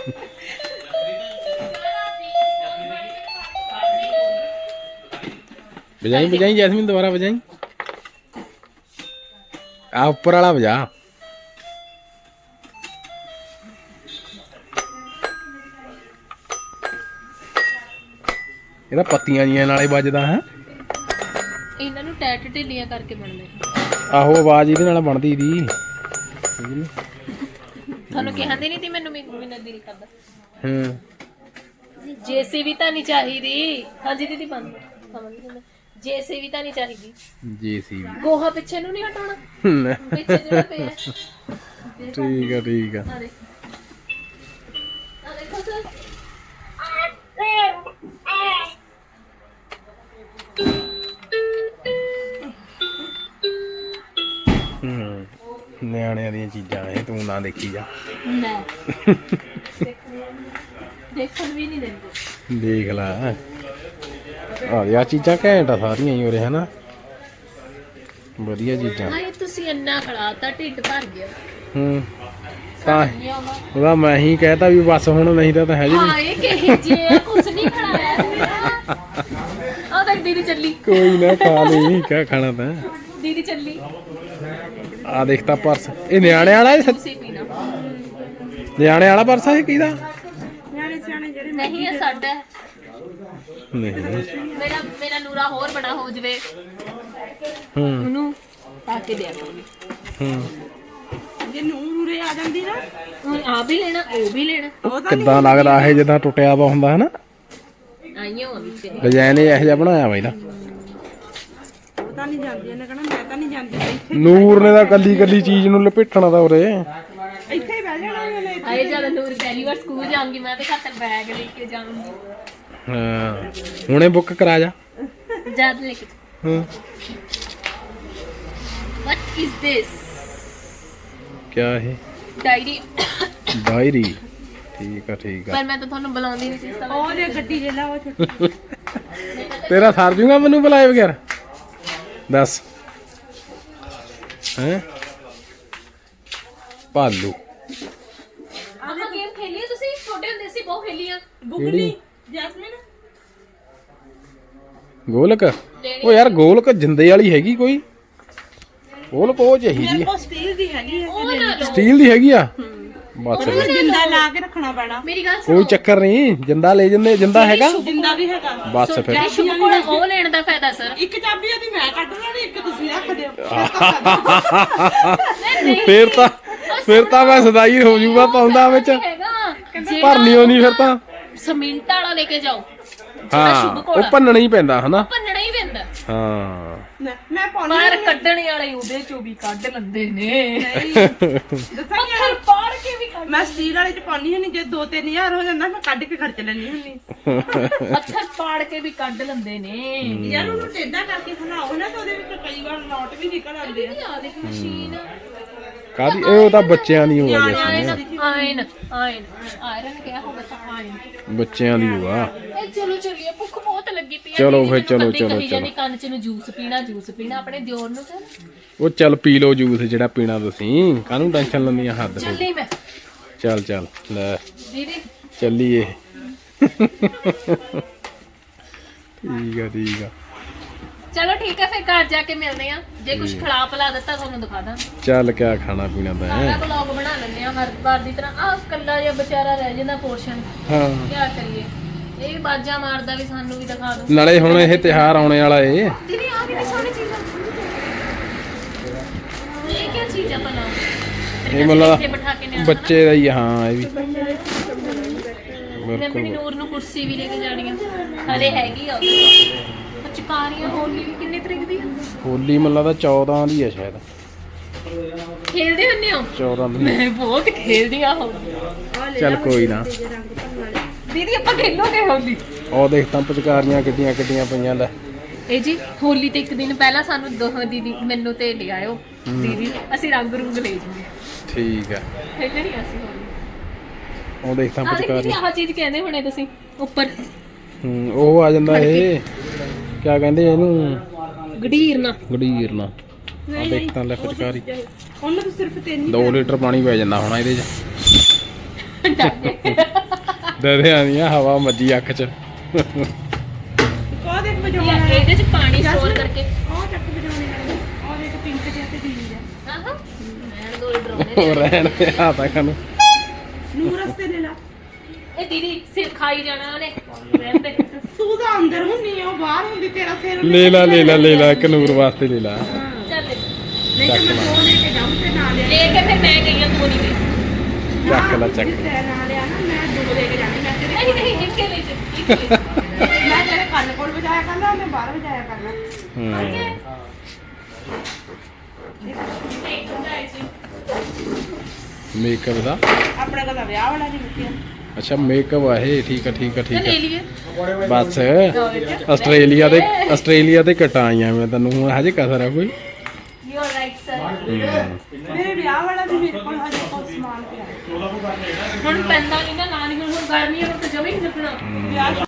ਬਜਾਈ ਬਜਾਈ ਜੈਸਮੀਨ, ਦੁਬਾਰਾ ਬਜਾਈ। ਆ ਉੱਪਰ ਵਾਲਾ ਵਜਾ। ਇਹਦਾ ਪੱਤੀਆਂ ਜੀਆਂ ਨਾਲੇ ਵੱਜਦਾ ਹੈ।
ਇਹਨਾਂ ਨੂੰ ਟੈਟ ਢਿੱਲੀਆਂ ਕਰਕੇ ਬਣਦੇ।
ਆਹੋ, ਆਵਾਜ਼ ਇਹਦੇ ਨਾਲ ਬਣਦੀ ਦੀ।
ਤੁਹਾਨੂੰ ਕਹਿੰਦੇ ਨਹੀਂ ਤੀ ਮੈਨੂੰ ਮੇਰਾ ਦਿਲ ਕਰਦਾ।
ਹਾਂ,
ਜੇਸੀਬੀ ਤਾਂ ਨਹੀਂ ਚਾਹੀਦੀ। ਹਾਂਜੀ ਦੀਦੀ ਬੰਦ ਸਮਝ ਗਏ। ਜੇਸੀਬੀ ਤਾਂ ਨਹੀਂ ਚਾਹੀਦੀ।
ਜੀਸੀਬੀ।
ਗੋਹਾ ਪਿੱਛੇ ਨੂੰ ਨਹੀਂ ਹਟਾਉਣਾ, ਪਿੱਛੇ ਜਿਹੜਾ ਪਿਆ।
ਠੀਕ ਆ ਠੀਕ ਆ।
ਆ ਦੇਖੋ ਸਰ।
ਨਿਆਣਿਆਂ ਦੀਆਂ ਚੀਜ਼ਾਂ ਇਹ ਤੂੰ ਨਾ ਦੇਖੀ ਜਾ।
ਲੈ ਦੇਖਣ ਵੀ ਨਹੀਂ ਦਿੰਦੇ।
ਦੇਖ ਲੈ ਆ ਚੀਜ਼ਾਂ ਘੈਂਟ ਆ ਸਾਰੀਆਂ ਹੀ ਉਰੇ ਹਨਾ, ਵਧੀਆ ਚੀਜ਼ਾਂ।
ਹਾਏ ਤੁਸੀਂ ਇੰਨਾ ਖੜਾਤਾ, ਢਿੱਡ ਭਰ ਗਿਆ।
ਤਾਂ ਉਹਦਾ ਮੈਂ ਹੀ ਕਹਿਤਾ ਵੀ ਬਸ ਹੁਣ, ਨਹੀਂ ਤਾਂ ਹੈ ਜੀ।
ਹਾਏ ਕਿਹੇ ਜੇ ਕੁਛ ਨਹੀਂ ਖੜਾਇਆ ਆ ਦੇਖ ਦੀਦੀ ਚੱਲੀ
ਕੋਈ ਨਾ ਖਾ ਲਈ ਕਿਆ ਖਾਣਾ ਤਾਂ
ਦੀਦੀ ਚੱਲੀ
ਆ ਦੇਖਤਾ ਪਰਸ ਇਹ ਨਿਆਣੇ ਵਾਲਾ ਇਹ
ਤੁਸੀਂ ਪੀਣਾ
ਨਿਆਣੇ ਵਾਲਾ ਪਰਸ ਆ ਇਹ ਕਿਹਦਾ
ਨਿਆਣੇ ਸਿਆਣੇ ਜਿਹੜੇ
ਨਹੀਂ ਇਹ ਸਾਡਾ ਹੈ।
ਨਹੀਂ
ਮੇਰਾ ਨੂਰਾ ਹੋਰ ਬੜਾ ਹੋ ਜਵੇ
ਹੂੰ
ਉਹਨੂੰ ਪਾ ਕੇ ਦਿਆ ਕਰੂੰਗੀ
ਜੇ ਨੂਰੇ ਆ ਜਾਂਦੀ ਨਾ
ਹੁਣ ਆ ਵੀ ਲੈਣਾ ਉਹ ਵੀ ਲੈਣਾ
ਉਹ ਤਾਂ
ਕਿੱਦਾਂ ਲੱਗਦਾ ਇਹ ਜਿੱਦਾਂ ਟੁੱਟਿਆ ਵਾ ਹੁੰਦਾ ਹੈ ਨਾ
ਆਈਆਂ ਉਹ ਵਿੱਚ
ਡਿਜ਼ਾਈਨ ਇਹੋ ਜਿਹਾ ਬਣਾਇਆ ਵਾ ਇਹਦਾ
ਉਹ ਤਾਂ ਨਹੀਂ ਜਾਂਦੀ ਇਹਨੇ ਕਹਣਾ ਮੈਂ ਤਾਂ ਨਹੀਂ ਜਾਂਦੀ ਇੱਥੇ
ਨੂਰ ਨੇ ਤਾਂ ਕੱਲੀ ਕੱਲੀ ਚੀਜ਼ ਨੂੰ ਲਪੇਟਣਾ ਤਾਂ ਉਰੇ
ਇੱਥੇ ਹੀ ਬਹਿ ਜਾਣਾ ਉਹਨੇ
ਆਏ ਜਦ ਨੂਰ ਪਹਿਲੀ ਵਾਰ ਸਕੂਲ ਜਾਊਂਗੀ ਮੈਂ ਤੇ ਖਾਤਰ ਬੈਗ ਲੈ ਕੇ ਜਾਊਂਗੀ
ਹਾਂ ਹੁਣੇ ਬੁੱਕ ਕਰਾ ਜਾ
ਜਦ ਲੈ ਕੇ
ਹਾਂ
what is this
ਕਿਆ ਇਹ
ਡਾਇਰੀ
ਡਾਇਰੀ ਠੀਕ ਆ
ਪਰ ਮੈਂ ਤਾਂ ਤੁਹਾਨੂੰ ਬੁਲਾਉਂਦੀ ਨਹੀਂ ਸੀ ਸਭ
ਉਹ ਜੇ ਗੱਡੀ ਲੈ ਲਾ ਉਹ ਛੋਟੀ
ਤੇਰਾ ਸਰ ਜੂਗਾ ਮੈਨੂੰ ਬੁਲਾਏ ਬਗੈਰ ਦੱਸ ਹੈ ਭਾਲੂ
ਆਪਾਂ ਗੇਮ ਖੇਲੀ ਆ ਤੁਸੀਂ ਛੋਟੇ ਹੁੰਦੇ ਸੀ ਬਹੁਤ ਖੇਲੀ ਆ
ਬੁਗਨੀ ਜੈਸਮੀਨ
ਗੋਲਕ ਉਹ ਯਾਰ ਗੋਲਕ ਜਿੰਦੇ ਵਾਲੀ ਹੈਗੀ ਕੋਈ ਗੋਲਕ ਉਹ ਚਾਹੀਦੀ
ਮੇਰੇ
ਆ
ਕੋਲ ਸਟੀਲ ਦੀ ਹੈਗੀ ਹੈ
ਉਹ ਨਾ ਲਓ
ਸਟੀਲ ਦੀ ਹੈਗੀ ਆ ਬਸ
ਉਹਨੂੰ ਜਿੰਦਾ ਲਾ ਕੇ ਰੱਖਣਾ ਪੈਣਾ
ਮੇਰੀ ਗੱਲ
ਕੋਈ ਚੱਕਰ ਨਹੀਂ ਜਿੰਦਾ ਲੈ ਜਾਂਦੇ ਜਿੰਦਾ ਹੈਗਾ
ਜਿੰਦਾ ਵੀ ਹੈਗਾ
ਬਸ ਫਿਰ
ਜਿਹੜੀ ਸ਼ੁਭ ਕੋਲ ਉਹ ਲੈਣ ਦਾ ਫਾਇਦਾ ਸਰ
ਇੱਕ ਚਾਬੀ ਉਹਦੀ ਮੈਂ ਕੱਢ ਲੈਣੀ ਇੱਕ ਤੁਸੀਂ ਰੱਖ ਦਿਓ
ਫਿਰ ਤਾਂ ਮੈਂ ਸਦਾਈ ਹੋ ਜੂਗਾ ਪਾਉਂਦਾ ਵਿੱਚ
ਹੈਗਾ
ਭਰਨੀ ਹੋਣੀ ਫਿਰ ਤਾਂ
ਸਮਿੰਟ ਵਾਲਾ ਲੈ ਕੇ ਜਾਓ
ਹਾਂ ਉਹ ਭੰਨਣਾ ਹੀ ਪੈਂਦਾ ਹਨਾ
ਭੰਨਣਾ ਹੀ ਪੈਂਦਾ
ਹਾਂ
ਮੈਂ ਪਾਉਣੀ
ਬਾਹਰ ਕੱਢਣ ਵਾਲੇ ਉਹਦੇ ਚੋਂ ਵੀ ਕੱਢ ਲੈਂਦੇ ਨੇ
ਦੱਸਾਂਗੀ
ਪੱਥਰ ਪਾੜ ਕੇ ਵੀ ਕੱਢ
ਮੈਂ ਸਟੀਲ ਵਾਲੇ ਚ ਪਾਉਣੀ ਹੁੰਦੀ ਜੇ 2-3000 ਹੋ ਜਾਂਦਾ ਮੈਂ ਕੱਢ ਕੇ ਖਰਚ ਲੈਣੀ ਹੁੰਦੀ
ਪੱਥਰ ਪਾੜ ਕੇ ਵੀ ਕੱਢ ਲੈਂਦੇ ਨੇ
ਯਾਰ ਉਹਨੂੰ ਟੇਢਾ ਕਰਕੇ ਖਲਾਓ ਨਾ ਤਾਂ ਉਹਦੇ ਵਿੱਚ ਕਈ ਵਾਰ ਨੋਟ ਵੀ ਨਿਕਲ ਆਉਂਦੇ ਆ
ਆ ਦੇਖ ਮਸ਼ੀਨ
ਕਾਦੀ ਇਹ ਤਾਂ ਬੱਚਿਆਂ ਦੀ ਹੋਆ
ਆਇਨ
ਜੈਸਮੀਨ
ਆਇਨ ਆਇਨ ਆਇਰਨ ਕਿਹਾ ਹੋਗਾ ਤਾਂ ਆਇਨ
ਬੱਚਿਆਂ ਦੀ ਹੋਆ
ਇਹ ਚਲੋ ਚਲੀਏ ਭੁੱਖ ਬਹੁਤ ਲੱਗੀ ਪਈ
ਚਲੋ ਫਿਰ, ਚਲੋ, ਚਲੋ,
ਚਲੋ ਕੰਨ ਚ ਨੂੰ ਜੂਸ ਪੀਣਾ ਆਪਣੇ ਦਿਓਰ ਨੂੰ ਤੇ
ਉਹ ਚੱਲ ਪੀ ਲਓ ਜੂਸ ਜਿਹੜਾ ਪੀਣਾ ਤੁਸੀਂ ਕਾਹਨੂੰ ਟੈਨਸ਼ਨ ਲੈਂਦੀਆਂ ਹੱਦ ਤੋਂ
ਚੱਲੀ ਮੈਂ
ਚੱਲ ਲੈ
ਦੀਦੀ
ਚੱਲੀਏ ਠੀਕ ਆ
ਚਲੋ ਠੀਕ ਹੈ ਫਿਰ ਘਰ ਜਾ ਕੇ ਮਿਲਦੇ ਆ ਜੇ ਕੁਝ ਖਿਲਾ ਪਿਲਾ ਦਿੱਤਾ ਤੁਹਾਨੂੰ ਦਿਖਾ ਦਾਂ
ਚੱਲ ਕਿਆ ਖਾਣਾ ਪੀਣਾ ਤਾਂ
ਸਾਰਾ
ਹੈ
ਵਲੌਗ ਬਣਾ ਲੈਂਦੇ ਆ ਹਰ ਵਾਰ ਦੀ ਤਰ੍ਹਾਂ ਆਹ ਕੱਲਾ ਜਿਹਾ ਵਿਚਾਰਾ ਰਹਿ ਜਾਂਦਾ ਪੋਰਸ਼ਨ
ਹਾਂ
ਕੀ ਕਰੀਏ ਇਹ ਵੀ ਬਾਜਾਂ ਮਾਰਦਾ ਵੀ ਸਾਨੂੰ ਵੀ ਦਿਖਾ ਦਿਓ
ਨਾਲੇ ਹੁਣ ਇਹ ਤਿਉਹਾਰ ਆਉਣੇ ਵਾਲਾ ਏ
ਦੀਦੀ ਆ ਵੀ ਸੋਹਣੀ ਚੀਜ਼ ਆ ਇਹ ਕੀ ਚੀਜ਼ ਆ ਭਲਾ
ਇਹ ਮਤਲਬ
ਇੱਥੇ ਬਿਠਾ ਕੇ ਨਿਆਣਾ
ਬੱਚੇ ਦਾ ਹੀ ਆ, ਹਾਂ ਇਹ ਵੀ
ਮੈਂ ਆਪਣੀ ਨੂਰ ਨੂੰ ਕੁਰਸੀ ਵੀ ਲੈ ਕੇ ਜਾਣੀ ਆ ਹਲੇ ਹੈਗੀ ਆ ਚਕਾਰੀਆਂ ਹੋਲੀ ਵੀ ਕਿੰਨੇ ਤਰੀਕ ਦੀ ਆ
ਹੋਲੀ ਮੱਲਾ ਦਾ 14 ਦੀ ਆ ਸ਼ਾਇਦ
ਖੇਲਦੇ ਹੁੰਦੇ ਹੋ
14 ਦੀ
ਮੈਂ ਬਹੁਤ ਖੇਲਦੀ ਆ ਹੋਲੀ
ਚੱਲ ਕੋਈ ਨਾ
ਦੀਦੀ ਆਪਾਂ ਖੇਲੋਗੇ ਹੋਲੀ
ਉਹ ਦੇਖ ਤਾਂ ਪਚਕਾਰੀਆਂ ਕਿੱਡੀਆਂ ਪਈਆਂ ਲੈ
ਇਹ ਜੀ ਹੋਲੀ ਤੇ ਇੱਕ ਦਿਨ ਪਹਿਲਾਂ ਸਾਨੂੰ ਦੋਹਾਂ ਦੀਦੀ ਮੈਨੂੰ ਤੇ ਲੈ ਆਇਓ ਦੀਦੀ ਅਸੀਂ ਰੰਗ ਰੂੰਗ ਲੈ ਜੂਗੇ
ਠੀਕ ਆ
ਖੇਲਣੀ ਅਸੀਂ ਹੋਲੀ
ਉਹ ਦੇਖ ਤਾਂ
ਆਹ ਦੇਖੀ
ਪਚਕਾਰੀ
ਆਹ ਚੀਜ਼ ਕਹਿੰਦੇ ਹੁਣੇ ਤੁਸੀਂ ਉੱਪਰ
ਉਹ ਆ ਜਾਂਦਾ ਇਹ ਕਿਆ ਕਹਿੰਦੇ ਇਹਨੂੰ
ਗੜੀਰਨਾ
ਗੜੀਰਨਾ ਆ ਦੇਖ ਤਾਂ ਲੈ ਪਚਕਾਰੀ
ਉਹਨੂੰ ਤਾਂ ਸਿਰਫ 3
2 ਲੀਟਰ ਪਾਣੀ ਪੈ ਜਾਂਦਾ ਹੋਣਾ ਇਹਦੇ 'ਚ ਦਦੇ ਆਂਦੀਆਂ ਹਵਾ ਮੱਜੀ ਅੱਖ 'ਚ
ਕੋ ਦੇਖ ਵਜਾਉਣਾ
ਯਾਰ ਇਹਦੇ ਚ ਪਾਣੀ ਸਟੋਰ ਕਰਕੇ
ਉਹ ਚੱਕ ਵਜਾਉਣੇ ਵਾਲੇ ਉਹ ਦੇਖ ਪਿੰਕ ਜਿਹਾ ਤੇ ਗ੍ਰੀਨ ਜਿਹਾ
ਆਹਾਂ ਮੈਂ ਦੋ ਡਰਾਉਣੇ
ਉਹ ਰਹਿਣ ਦੇ ਹੱਥਾਂ ਖਾਨੂੰ
ਨੂਰ ਰਸਤੇ ਲੈ ਲਾ
ਇਹ ਦੀਦੀ ਸਿਰ ਖਾਈ ਜਾਣਾ ਉਹਨੇ ਰਹਿੰਦੇ
ਤੂੰ ਤਾਂ ਅੰਦਰ ਹੁੰਨੀ ਆ ਉਹ ਬਾਹਰ ਹੁੰਦੀ ਤੇਰਾ ਸਿਰ
ਲੈ ਲਾ ਇੱਕ ਨੂਰ ਵਾਸਤੇ ਲੈ ਲਾ
ਚੱਲ
ਨਹੀਂ ਤਾਂ ਮੈਂ ਦੋ ਲੈ ਕੇ ਜਾਊਂ ਤੇ ਨਾਲ ਲਿਆ
ਲੈ ਕੇ ਫਿਰ ਮੈਂ ਗਈ ਆ ਤੂੰ ਨਹੀਂ ਗਈ
ਚੱਕ ਲੈ ਚੱਕ
ਤੇ ਨਾਲ ਲਿਆ ਨਾ ਮੈਂ ਦੋ ਲੈ ਕੇ ਜਾਣੀ ਮੈਂ ਤੇਰੇ
ਨਹੀਂ ਨਹੀਂ ਇੱਕੇ ਲੈ
ਮੈਂ ਤੇਰੇ ਕੰਨ ਕੋਲ ਵਜਾਇਆ ਕਰਨਾ ਮੈਂ ਬਾਹਰ ਵਜਾਇਆ ਕਰਨਾ
ਮੇਕਅਪ ਦਾ
ਆਪਣਾ ਕਦਾ ਵਿਆਹ ਵਾਲਾ ਨਹੀਂ ਮੁੱਕਿਆ
ਅੱਛਾ ਮੇਕਅਪ ਆ ਇਹ ਠੀਕ ਆ
ਲੈ ਲਈਏ
ਬਸ ਆਸਟ੍ਰੇਲੀਆ ਦੇ ਕਟਾਂ ਆਈਆਂ ਮੈਂ ਤੈਨੂੰ ਹੁਣ ਹਜੇ ਕਸਰ ਆ ਕੋਈ
ਯੂ ਆਰ ਰਾਈਟ ਸਰ
ਮੇਰੇ ਵਿਆਹ ਵਾਲਾ ਵੀ ਮੇਰੇ ਕੋਲ ਹਜੇ ਕੋਈ ਸਮਾਨ ਪਿਆ
ਹੁਣ ਪੈਂਦਾ ਨਹੀਂ ਨਾ ਨਾਲ ਹੀ ਹੁਣ ਗਰਮੀ ਆ ਹੁਣ ਤਾਂ ਜਮੇ ਹੀ ਨਹੀਂ ਚੱਕਣਾ
ਵਿਆਹ